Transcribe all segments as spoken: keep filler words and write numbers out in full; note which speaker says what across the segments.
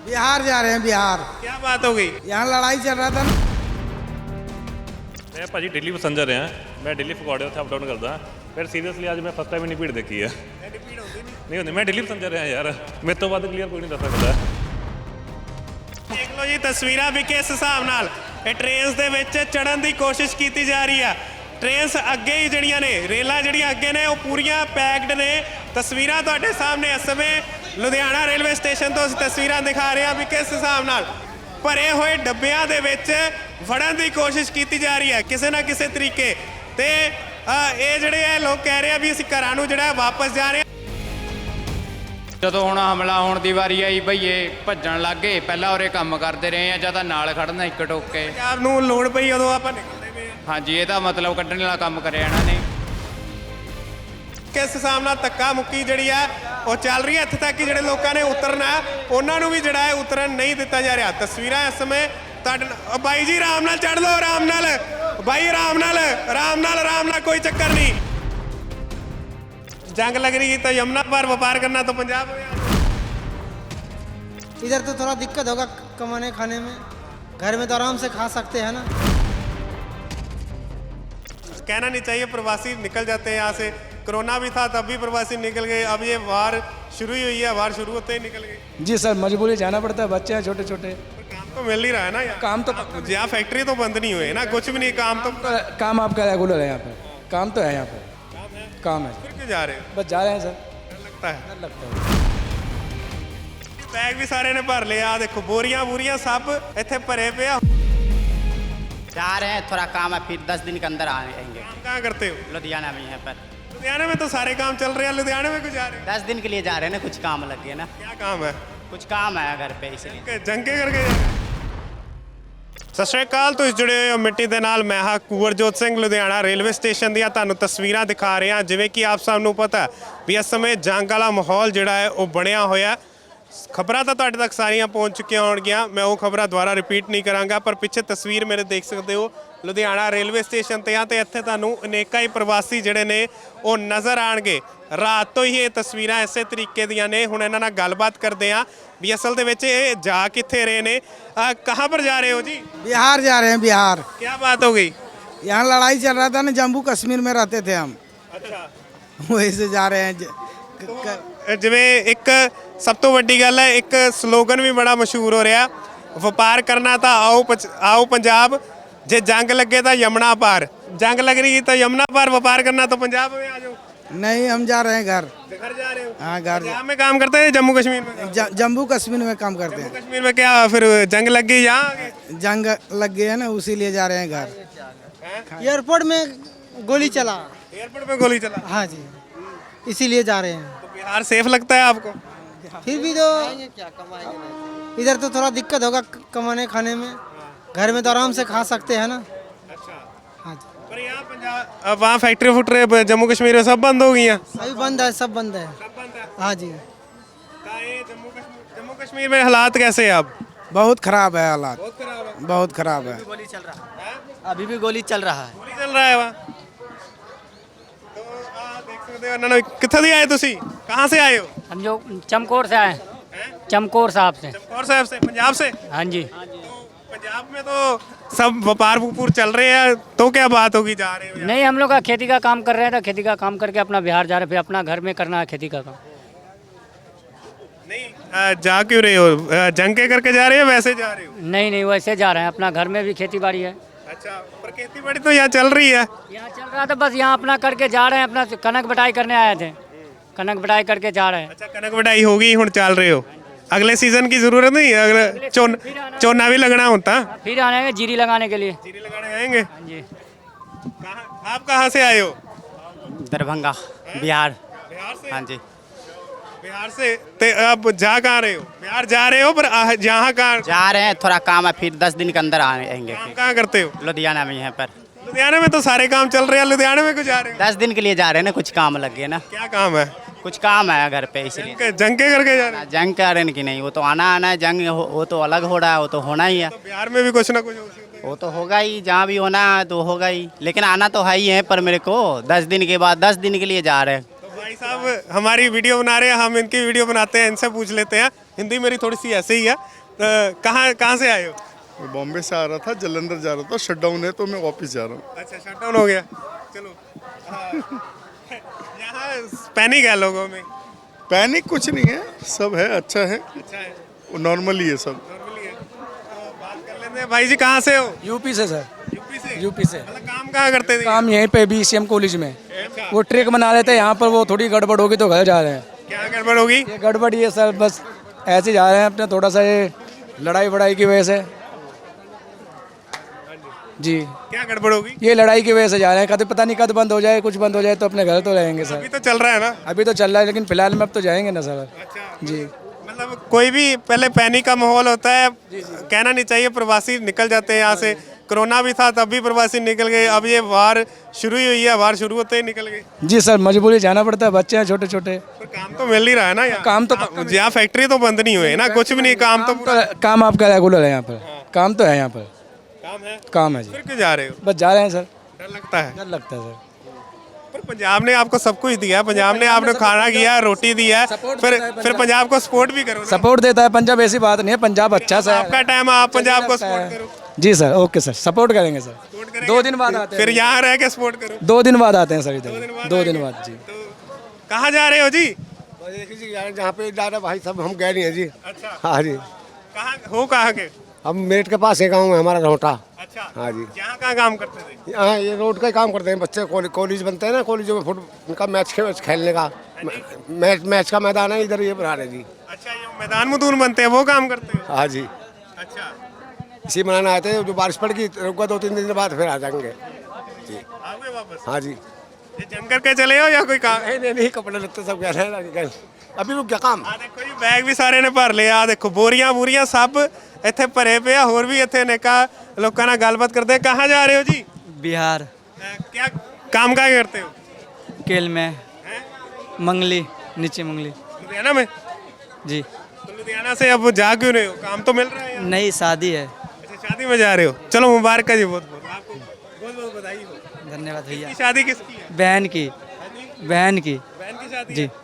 Speaker 1: बिहार जा रहे हैं बिहार।
Speaker 2: क्या बात हो गई?
Speaker 1: यहाँ लड़ाई चल रहा था ना।
Speaker 3: मैं भाजी डेली पैसेंजर हैं, मैं डेली फगवाड़े ਉੱਥੇ ਅਪ ਡਾਊਨ ਕਰਦਾ। ਫਿਰ ਸੀਰੀਅਸਲੀ ਅੱਜ ਮੈਂ ਫਸਟ ਟਾਈਮ ਇੰਨੀ ਭੀੜ ਦੇਖੀ ਹੈ। ਨਹੀਂ ਹੁੰਦੀ, ਮੈਂ ਡੇਲੀ ਪੈਸੇਂਜਰ ਹਾਂ ਯਾਰ, ਮੇਰੇ ਤੋਂ ਵੱਧ ਕਲੀਅਰ ਕੋਈ ਨਹੀਂ ਦੱਸ ਸਕਦਾ।
Speaker 2: ਦੇਖ ਲਓ ਜੀ ਤਸਵੀਰਾਂ ਵੀ ਕਿਸ ਹਿਸਾਬ ਨਾਲ ਇਹ ਟ੍ਰੇਨਸ ਦੇ ਵਿੱਚ ਚੜਨ ਦੀ ਕੋਸ਼ਿਸ਼ ਕੀਤੀ ਜਾ ਰਹੀ ਆ। ਟ੍ਰੇਨਸ ਅੱਗੇ ਹੀ ਜਿਹੜੀਆਂ ਨੇ, ਰੇਲਾਂ ਜਿਹੜੀਆਂ ਅੱਗੇ ਨੇ ਉਹ ਪੂਰੀਆਂ ਪੈਕਡ ਨੇ। ਤਸਵੀਰਾਂ ਤੁਹਾਡੇ ਸਾਹਮਣੇ ਇਸ ਸਮੇਂ ਲੁਧਿਆਣਾ ਰੇਲਵੇ ਸਟੇਸ਼ਨ ਤੋਂ ਅਸੀਂ ਤਸਵੀਰਾਂ ਦਿਖਾ ਰਹੇ ਹਾਂ ਵੀ ਕਿਸ ਹਿਸਾਬ ਨਾਲ ਭਰੇ ਹੋਏ ਡੱਬਿਆਂ ਦੇ ਵਿੱਚ ਵੜਨ ਦੀ ਕੋਸ਼ਿਸ਼ ਕੀਤੀ ਜਾ ਰਹੀ ਹੈ ਕਿਸੇ ਨਾ ਕਿਸੇ ਤਰੀਕੇ ਤੇ। ਇਹ ਜਿਹੜੇ ਆ ਲੋਕ ਕਹਿ ਰਹੇ ਆ ਵੀ ਅਸੀਂ ਘਰਾਂ ਨੂੰ ਜਿਹੜਾ ਵਾਪਸ ਜਾ ਰਹੇ ਹਾਂ।
Speaker 4: ਜਦੋਂ ਹੁਣ ਹਮਲਾ ਹੋਣ ਦੀ ਵਾਰੀ ਆਈ ਭਈਏ ਭੱਜਣ ਲੱਗ ਗਏ। ਪਹਿਲਾਂ ਉਰੇ ਕੰਮ ਕਰਦੇ ਰਹੇ ਆ, ਜਾਂ ਤਾਂ ਨਾਲ ਖੜਨਾ ਇੱਕ ਟੋਕ ਕੇ।
Speaker 2: ਪੰਜਾਬ ਨੂੰ ਲੋੜ ਪਈ ਉਦੋਂ ਆਪਾਂ ਨਿਕਲਦੇ ਪਏ ਹਾਂ।
Speaker 4: ਹਾਂਜੀ, ਇਹਦਾ ਮਤਲਬ ਕੱਢਣ ਵਾਲਾ ਕੰਮ ਕਰਿਆ ਇਹਨਾਂ ਨੇ।
Speaker 2: ਕਿਸ ਹਿਸਾਬ ਨਾਲ ਧੱਕਾ ਮੁੱਕੀ ਜਿਹੜੀ ਆ ਉਹ ਚੱਲ ਰਹੀ ਹੈ। ਇੱਥੇ ਤੱਕ ਕਿ ਜਿਹੜੇ ਲੋਕਾਂ ਨੇ ਉਤਰਨਾ ਉਹਨਾਂ ਨੂੰ ਵੀ ਜਿਹੜਾ ਹੈ ਉਤਰਨ ਨਹੀਂ ਦਿੱਤਾ ਜਾ ਰਿਹਾ। ਤਸਵੀਰਾਂ ਇਸ ਸਮੇਂ ਤੁਹਾਡੇ ਨਾਲ। ਬਾਈ ਜੀ ਆਰਾਮ ਨਾਲ ਚੜ੍ਹ ਲਓ, ਆਰਾਮ ਨਾਲ ਬਾਈ, ਆਰਾਮ ਨਾਲ ਆਰਾਮ ਨਾਲ ਆਰਾਮ ਨਾਲ, ਕੋਈ ਚੱਕਰ ਨਹੀਂ। जंग लग रही तो यमुना पर व्यापार करना तो पंजाब हो गया।
Speaker 1: इधर तो थोड़ा दिक्कत होगा कमाने खाने में, घर में तो आराम से खा सकते हैं ना।
Speaker 2: कहना नहीं चाहिए, प्रवासी निकल जाते हैं यहाँ से। कोरोना भी था तब भी प्रवासी निकल गए, अब ये वार शुरू ही हुई है, वार शुरू होते ही निकल गए।
Speaker 5: जी सर, मजबूरी जाना पड़ता है, बच्चे हैं छोटे छोटे।
Speaker 2: काम तो मिल ही रहा है ना यहाँ।
Speaker 5: काम तो
Speaker 2: यहाँ फैक्ट्री तो बंद नहीं हुए ना, कुछ भी नहीं। काम तो
Speaker 5: काम आपका रेगुलर है यहाँ पे, काम तो है यहाँ पे, काम है।
Speaker 2: फिर क्यों जा रहे हो?
Speaker 5: बस जा रहे हैं सर,
Speaker 2: डर लगता है।
Speaker 5: डर लगता है।
Speaker 2: बैग भी सारे ने भर लिया, देखो बोरियां बोरियां सब इतने भरे पे आ।
Speaker 6: जा रहे हैं, थोड़ा काम है, फिर दस दिन के अंदर आएंगे।
Speaker 2: काम कहाँ करते हो?
Speaker 6: लुधियाना में यहाँ पर।
Speaker 2: लुधियाना में तो सारे काम चल रहे हैं, लुधियाना में क्यों जा रहे हो?
Speaker 6: दस दिन के लिए जा रहे हैं ना, कुछ काम लग गया ना।
Speaker 2: क्या काम है?
Speaker 6: कुछ काम है घर पे, इसलिए।
Speaker 2: ਜੰਗ ਕੇ ਕਰਕੇ ਜਾ ਸਤਿ ਸ਼੍ਰੀ ਅਕਾਲ। ਤੁਸੀਂ ਜੁੜੇ ਹੋਏ ਹੋ ਮਿੱਟੀ ਦੇ ਨਾਲ। ਮੈਂ ਹਾਂ ਕੁਵਰਜੋਤ ਸਿੰਘ। ਲੁਧਿਆਣਾ ਰੇਲਵੇ ਸਟੇਸ਼ਨ ਦੀਆਂ ਤੁਹਾਨੂੰ ਤਸਵੀਰਾਂ ਦਿਖਾ ਰਹੇ ਹਾਂ। ਜਿਵੇਂ ਕਿ ਆਪ ਸਭ ਨੂੰ ਪਤਾ ਵੀ ਇਸ ਸਮੇਂ ਜੰਗ ਵਾਲਾ ਮਾਹੌਲ ਜਿਹੜਾ ਹੈ ਉਹ ਬਣਿਆ ਹੋਇਆ। ਖਬਰਾਂ ਤਾਂ ਤੁਹਾਡੇ ਤੱਕ ਸਾਰੀਆਂ ਪਹੁੰਚ ਚੁੱਕੀਆਂ ਹੋਣਗੀਆਂ, ਮੈਂ ਉਹ ਖਬਰਾਂ ਦੁਬਾਰਾ ਰਿਪੀਟ ਨਹੀਂ ਕਰਾਂਗਾ। ਪਰ ਪਿੱਛੇ ਤਸਵੀਰ ਮੇਰੇ ਦੇਖ ਸਕਦੇ ਹੋ ਲੁਧਿਆਣਾ ਰੇਲਵੇ ਸਟੇਸ਼ਨ ਤੇ ਆ, ਤੇ ਇੱਥੇ ਤੁਹਾਨੂੰ ਅਨੇਕਾਂ ਹੀ ਪ੍ਰਵਾਸੀ ਜਿਹੜੇ ਨੇ ਉਹ ਨਜ਼ਰ ਆਣਗੇ। ਰਾਤ ਤੋਂ ਹੀ ਇਹ ਤਸਵੀਰਾਂ ਇਸੇ ਤਰੀਕੇ ਦੀਆਂ ਨੇ। ਹੁਣ ਇਹਨਾਂ ਨਾਲ ਗੱਲਬਾਤ ਕਰਦੇ ਆ ਵੀ ਅਸਲ ਦੇ ਵਿੱਚ ਇਹ ਜਾ ਕਿੱਥੇ ਰਹੇ ਨੇ। ਕਹਾਂ पर जा रहे हो जी?
Speaker 1: बिहार जा रहे हैं बिहार।
Speaker 2: क्या बात हो गई?
Speaker 1: यहाँ लड़ाई चल रहा था ना, जम्मू कश्मीर में रहते थे हम,
Speaker 2: अच्छा,
Speaker 1: वहीं से जा रहे हैं। ज- क- क-
Speaker 2: ਜਿਵੇਂ ਇੱਕ ਸਭ ਤੋਂ ਵੱਡੀ ਗੱਲ ਹੈ, ਇੱਕ ਸਲੋਗਨ ਵੀ ਬੜਾ ਮਸ਼ਹੂਰ ਹੋ ਰਿਹਾ, ਵਪਾਰ ਕਰਨਾ ਤਾਂ ਆਓ ਪਚ- ਆਓ ਪੰਜਾਬ, ਜੇ ਜੰਗ ਲੱਗੇ ਤਾਂ ਯਮੁਨਾ ਪਾਰ। ਜੰਗ ਲੱਗ ਰਹੀ ਤਾਂ ਯਮੁਨਾ ਪਾਰ, व्यापार करना तो पंजाब में आ जाओ।
Speaker 1: नहीं, हम जा रहे हैं घर।
Speaker 2: घर जा रहे हो?
Speaker 1: हाँ, घर।
Speaker 2: पंजाब में काम करते हैं, जम्मू कश्मीर में?
Speaker 1: ज- जम्मू कश्मीर में काम करते
Speaker 2: जम्मू
Speaker 1: हैं।
Speaker 2: कश्मीर में क्या फिर जंग लग गई यहाँ आगे?
Speaker 1: जंग लग गई है ना, उसीलिए जा रहे हैं घर। एयरपोर्ट में गोली चला।
Speaker 2: एयरपोर्ट पे गोली चला?
Speaker 1: हाँ जी, इसीलिए जा रहे हैं।
Speaker 2: तो बिहार सेफ लगता है आपको?
Speaker 1: फिर भी तो इधर तो थोड़ा दिक्कत होगा कमाने खाने में, घर में तो आराम से खा सकते हैं ना।
Speaker 2: अच्छा,
Speaker 1: हाँ जी,
Speaker 2: पर यहाँ पंजाब अब वहाँ फैक्ट्री फुक्ट्री जम्मू कश्मीर में सब बंद हो गई हैं।
Speaker 1: अभी बंद है, सब बंद है।
Speaker 2: सब बंद है।
Speaker 1: हाँ जी,
Speaker 2: का ये जम्मू कश्मीर जम्मू कश्मीर में हालात कैसे है अब?
Speaker 1: बहुत खराब है हालात,
Speaker 2: बहुत खराब है।
Speaker 1: बहुत खराब है।
Speaker 6: गोली चल रहा है, अभी भी गोली चल रहा है।
Speaker 2: गोली चल रहा है वहाँ। तो आ देख सकते हो ना, कित्थे दी आए तुसी? कहाँ से आए हो?
Speaker 7: हम जो चमकौर से आए हैं, चमकौर साहब से।
Speaker 2: चमकौर साहब से, पंजाब से?
Speaker 7: हाँ जी।
Speaker 2: तो पंजाब में तो सब व्यापार वपूर चल रहे हैं, तो क्या बात होगी जा रहे हो यहाँ?
Speaker 7: नहीं, हम लोग का खेती का काम कर रहे हैं, तो खेती का काम करके अपना बिहार जा रहे हैं, फिर अपना घर में करना है खेती का काम।
Speaker 2: नहीं, आ, जा क्यों रहे हो? आ, जंग के करके जा रहे हो, वैसे जा रहे हो?
Speaker 7: नहीं नहीं, वैसे जा रहे हैं, अपना घर में भी खेती बाड़ी है।
Speaker 2: अच्छा, पर खेती बाड़ी तो यहाँ चल रही है।
Speaker 7: यहाँ चल रहा था, बस यहाँ अपना करके जा रहे हैं, अपना कनक बटाई करने आए थे, कनक बटाई करके जा रहे हैं।
Speaker 2: अच्छा, कनक वढाई होगी, हुण चल रहे हो। अगले सीजन की जरूरत नहीं, अगले चोन चोना भी लगना होता।
Speaker 7: फिर आएंगे जीरी लगाने के लिए।
Speaker 2: जीरी लगाने आएंगे।
Speaker 7: हाँ जी।
Speaker 2: कहाँ, आप कहाँ से आए हो?
Speaker 6: दरभंगा, बिहार।
Speaker 2: बिहार से?
Speaker 6: हाँ जी।
Speaker 2: बिहार से। ते आप जा कहाँ रहे हो? बिहार जा रहे हो, पर आ- यहाँ कहाँ
Speaker 6: जा रहे हैं, थोड़ा काम है, फिर दस दिन के अंदर आएंगे।
Speaker 2: काम
Speaker 6: फिर
Speaker 2: कहाँ करते हो?
Speaker 6: लुधियाना में यहाँ पर।
Speaker 2: लुधियाना में तो सारे काम चल रहे हैं, लुधियाना में क्यों जा रहे हो?
Speaker 6: दस दिन के लिए जा रहे हैं ना, कुछ काम लग गया ना।
Speaker 2: क्या काम है?
Speaker 6: कुछ काम है घर पे, इसलिए।
Speaker 2: जंग जंग के करके जा रहे हो?
Speaker 6: जंग का रहे कि नहीं, वो तो आना आना है। जंग हो, वो तो अलग हो रहा है, वो तो होना ही है।
Speaker 2: तो बिहार में भी कुछ ना कुछ हो सकता है।
Speaker 6: वो तो होगा ही, जहाँ भी होना है तो होगा ही, लेकिन आना तो है ही है। पर मेरे को दस दिन के बाद, दस दिन के लिए जा रहे हैं।
Speaker 2: तो भाई साहब हमारी वीडियो बना रहे हैं, हम इनकी वीडियो बनाते हैं, इनसे पूछ लेते हैं। हिंदी मेरी थोड़ी सी ऐसे ही है। अ, कहाँ कहाँ से आए हो?
Speaker 8: मैं बॉम्बे से आ रहा था, जलंधर जा रहा था, शट डाउन है तो मैं वापस जा रहा हूँ।
Speaker 2: अच्छा, शट डाउन हो गया। चलो हाँ। यहाँ पैनिक है लोगों में।
Speaker 8: पैनिक कुछ नहीं है, सब है, अच्छा है,
Speaker 2: अच्छा है,
Speaker 8: नॉर्मल ही है सब।
Speaker 2: नॉर्मली है। तो बात कर लेते हैं। भाई जी कहाँ से हो?
Speaker 5: यूपी से सर,
Speaker 2: यूपी से।
Speaker 5: यूपी से।
Speaker 2: मतलब काम कहाँ करते थे?
Speaker 5: काम यहीं पे बी सी एम कॉलेज में।
Speaker 2: अच्छा।
Speaker 5: वो ट्रैक बना रहे थे यहाँ पर, वो थोड़ी गड़बड़ होगी तो घर जा रहे हैं।
Speaker 2: क्या गड़बड़ होगी?
Speaker 5: ये गड़बड़ ये सर बस ऐसे जा रहे हैं अपने, थोड़ा सा ये लड़ाई वड़ाई की वजह से जी।
Speaker 2: क्या गड़बड़ होगी?
Speaker 5: ये लड़ाई की वजह से जा रहे हैं, कभी पता नहीं कब बंद हो जाए, कुछ बंद हो जाए तो अपने घर तो रहेंगे
Speaker 2: अभी
Speaker 5: सर।
Speaker 2: तो चल रहा है ना।
Speaker 5: अभी तो चल रहा है लेकिन फिलहाल में अब तो जाएंगे ना सर।
Speaker 2: अच्छा
Speaker 5: जी
Speaker 2: मतलब कोई भी पहले पैनिक का माहौल होता है, कहना नहीं चाहिए, प्रवासी निकल जाते हैं यहाँ से। कोरोना भी था तब भी प्रवासी निकल गए, अब ये वार शुरू ही हुई है, वार शुरू होते ही निकल गए।
Speaker 5: जी सर, मजबूरी जाना पड़ता है, बच्चे हैं छोटे छोटे।
Speaker 2: पर काम तो मिल ही रहा है ना यहाँ।
Speaker 5: काम तो
Speaker 2: यहाँ फैक्ट्री तो बंद नहीं हुए ना, कुछ भी नहीं, काम तो पूरा
Speaker 5: तो काम आपका रेगुलर है यहाँ पर, काम तो है यहाँ पर,
Speaker 2: काम है।
Speaker 5: काम है जी।
Speaker 2: फिर क्यों जा रहे हो?
Speaker 5: बस जा रहे हैं सर,
Speaker 2: डर लगता है।
Speaker 5: डर लगता है सर।
Speaker 2: पर पंजाब ने आपको सब कुछ दिया, पंजाब ने आपने खाना किया, रोटी दिया, फिर फिर पंजाब को सपोर्ट भी करो ना।
Speaker 5: सपोर्ट देता है पंजाब, ऐसी बात नहीं है, पंजाब अच्छा सा
Speaker 2: आपका टाइम, आप पंजाब को सपोर्ट करो।
Speaker 5: जी सर, ओके सर, सपोर्ट करेंगे सर।
Speaker 2: सपोर्ट करेंगे।
Speaker 5: दो दिन बाद आते
Speaker 2: फिर
Speaker 5: हैं,
Speaker 2: यहाँ रह के सपोर्ट करो।
Speaker 5: दो दिन बाद आते हैं सर इधर,
Speaker 2: बाद
Speaker 5: दो
Speaker 2: आएंगे।
Speaker 5: दिन बाद जी।
Speaker 2: तो कहाँ जा रहे हो जी?
Speaker 9: जहाँ पे जा रहे भाई सब हम गए नहीं है जी।
Speaker 2: अच्छा,
Speaker 9: हाँ जी,
Speaker 2: कहाँ हो, कहाँ के?
Speaker 9: हम मेरठ के पास एक गाँव है हमारा रोहटा।
Speaker 2: अच्छा,
Speaker 9: हाँ जी।
Speaker 2: यहाँ कहाँ काम करते थे?
Speaker 9: यहाँ ये रोड का ही काम करते हैं बच्चे, कॉलेज कॉलेज बनते हैं ना, कॉलेजों में फुट उनका मैच खे, खेलने का मैच मैच का मैदान है इधर, ये बना रहे जी।
Speaker 2: अच्छा, ये मैदान मुदून बनते हैं, वो काम करते हो?
Speaker 9: हाँ जी,
Speaker 2: अच्छा,
Speaker 9: इसी बनाने आए थे, जो बारिश पड़ गई रुका, दो तीन दिन बाद फिर आ जाएंगे जी।
Speaker 2: आ गए वापस?
Speaker 9: हाँ जी,
Speaker 2: ये जंग करके चले हो या कोई काम?
Speaker 9: नहीं नहीं नहीं, कपड़े लगते सब कह रहे हैं, अभी रुक गया काम।
Speaker 2: ਆ ਦੇਖੋ ਜੀ, ਬੈਗ ਵੀ ਸਾਰੇ ਨੇ ਭਰ ਲਿਆ। ਆ ਦੇਖੋ ਬੋਰੀਆਂ ਬੂਰੀਆਂ ਸਭ ਇੱਥੇ ਭਰੇ ਪਏ ਆ। ਹੋਰ ਵੀ ਇੱਥੇ ਅਨੇਕਾਂ ਲੋਕਾਂ ਨਾਲ ਗੱਲਬਾਤ ਕਰਦੇ। ਕਹਾਂ ਜਾ ਰਹੇ ਹੋ ਜੀ?
Speaker 10: बिहार
Speaker 2: क्या काम क्या करते हो?
Speaker 10: केल में मंगली, नीचे मंगली
Speaker 2: लुधियाना में?
Speaker 10: जी।
Speaker 2: तो लुधियाना से अब जा क्यों रहे हो? काम तो मिल रहा है यहाँ।
Speaker 10: नई शादी है।
Speaker 2: अच्छा, शादी में जा रहे हो, चलो मुबारक है जी, बहुत बहुत आपको बहुत बहुत बधाई हो।
Speaker 10: धन्यवाद भैया।
Speaker 2: की शादी किसकी है?
Speaker 10: बहन की, बहन की
Speaker 2: बहन की शादी
Speaker 10: जी।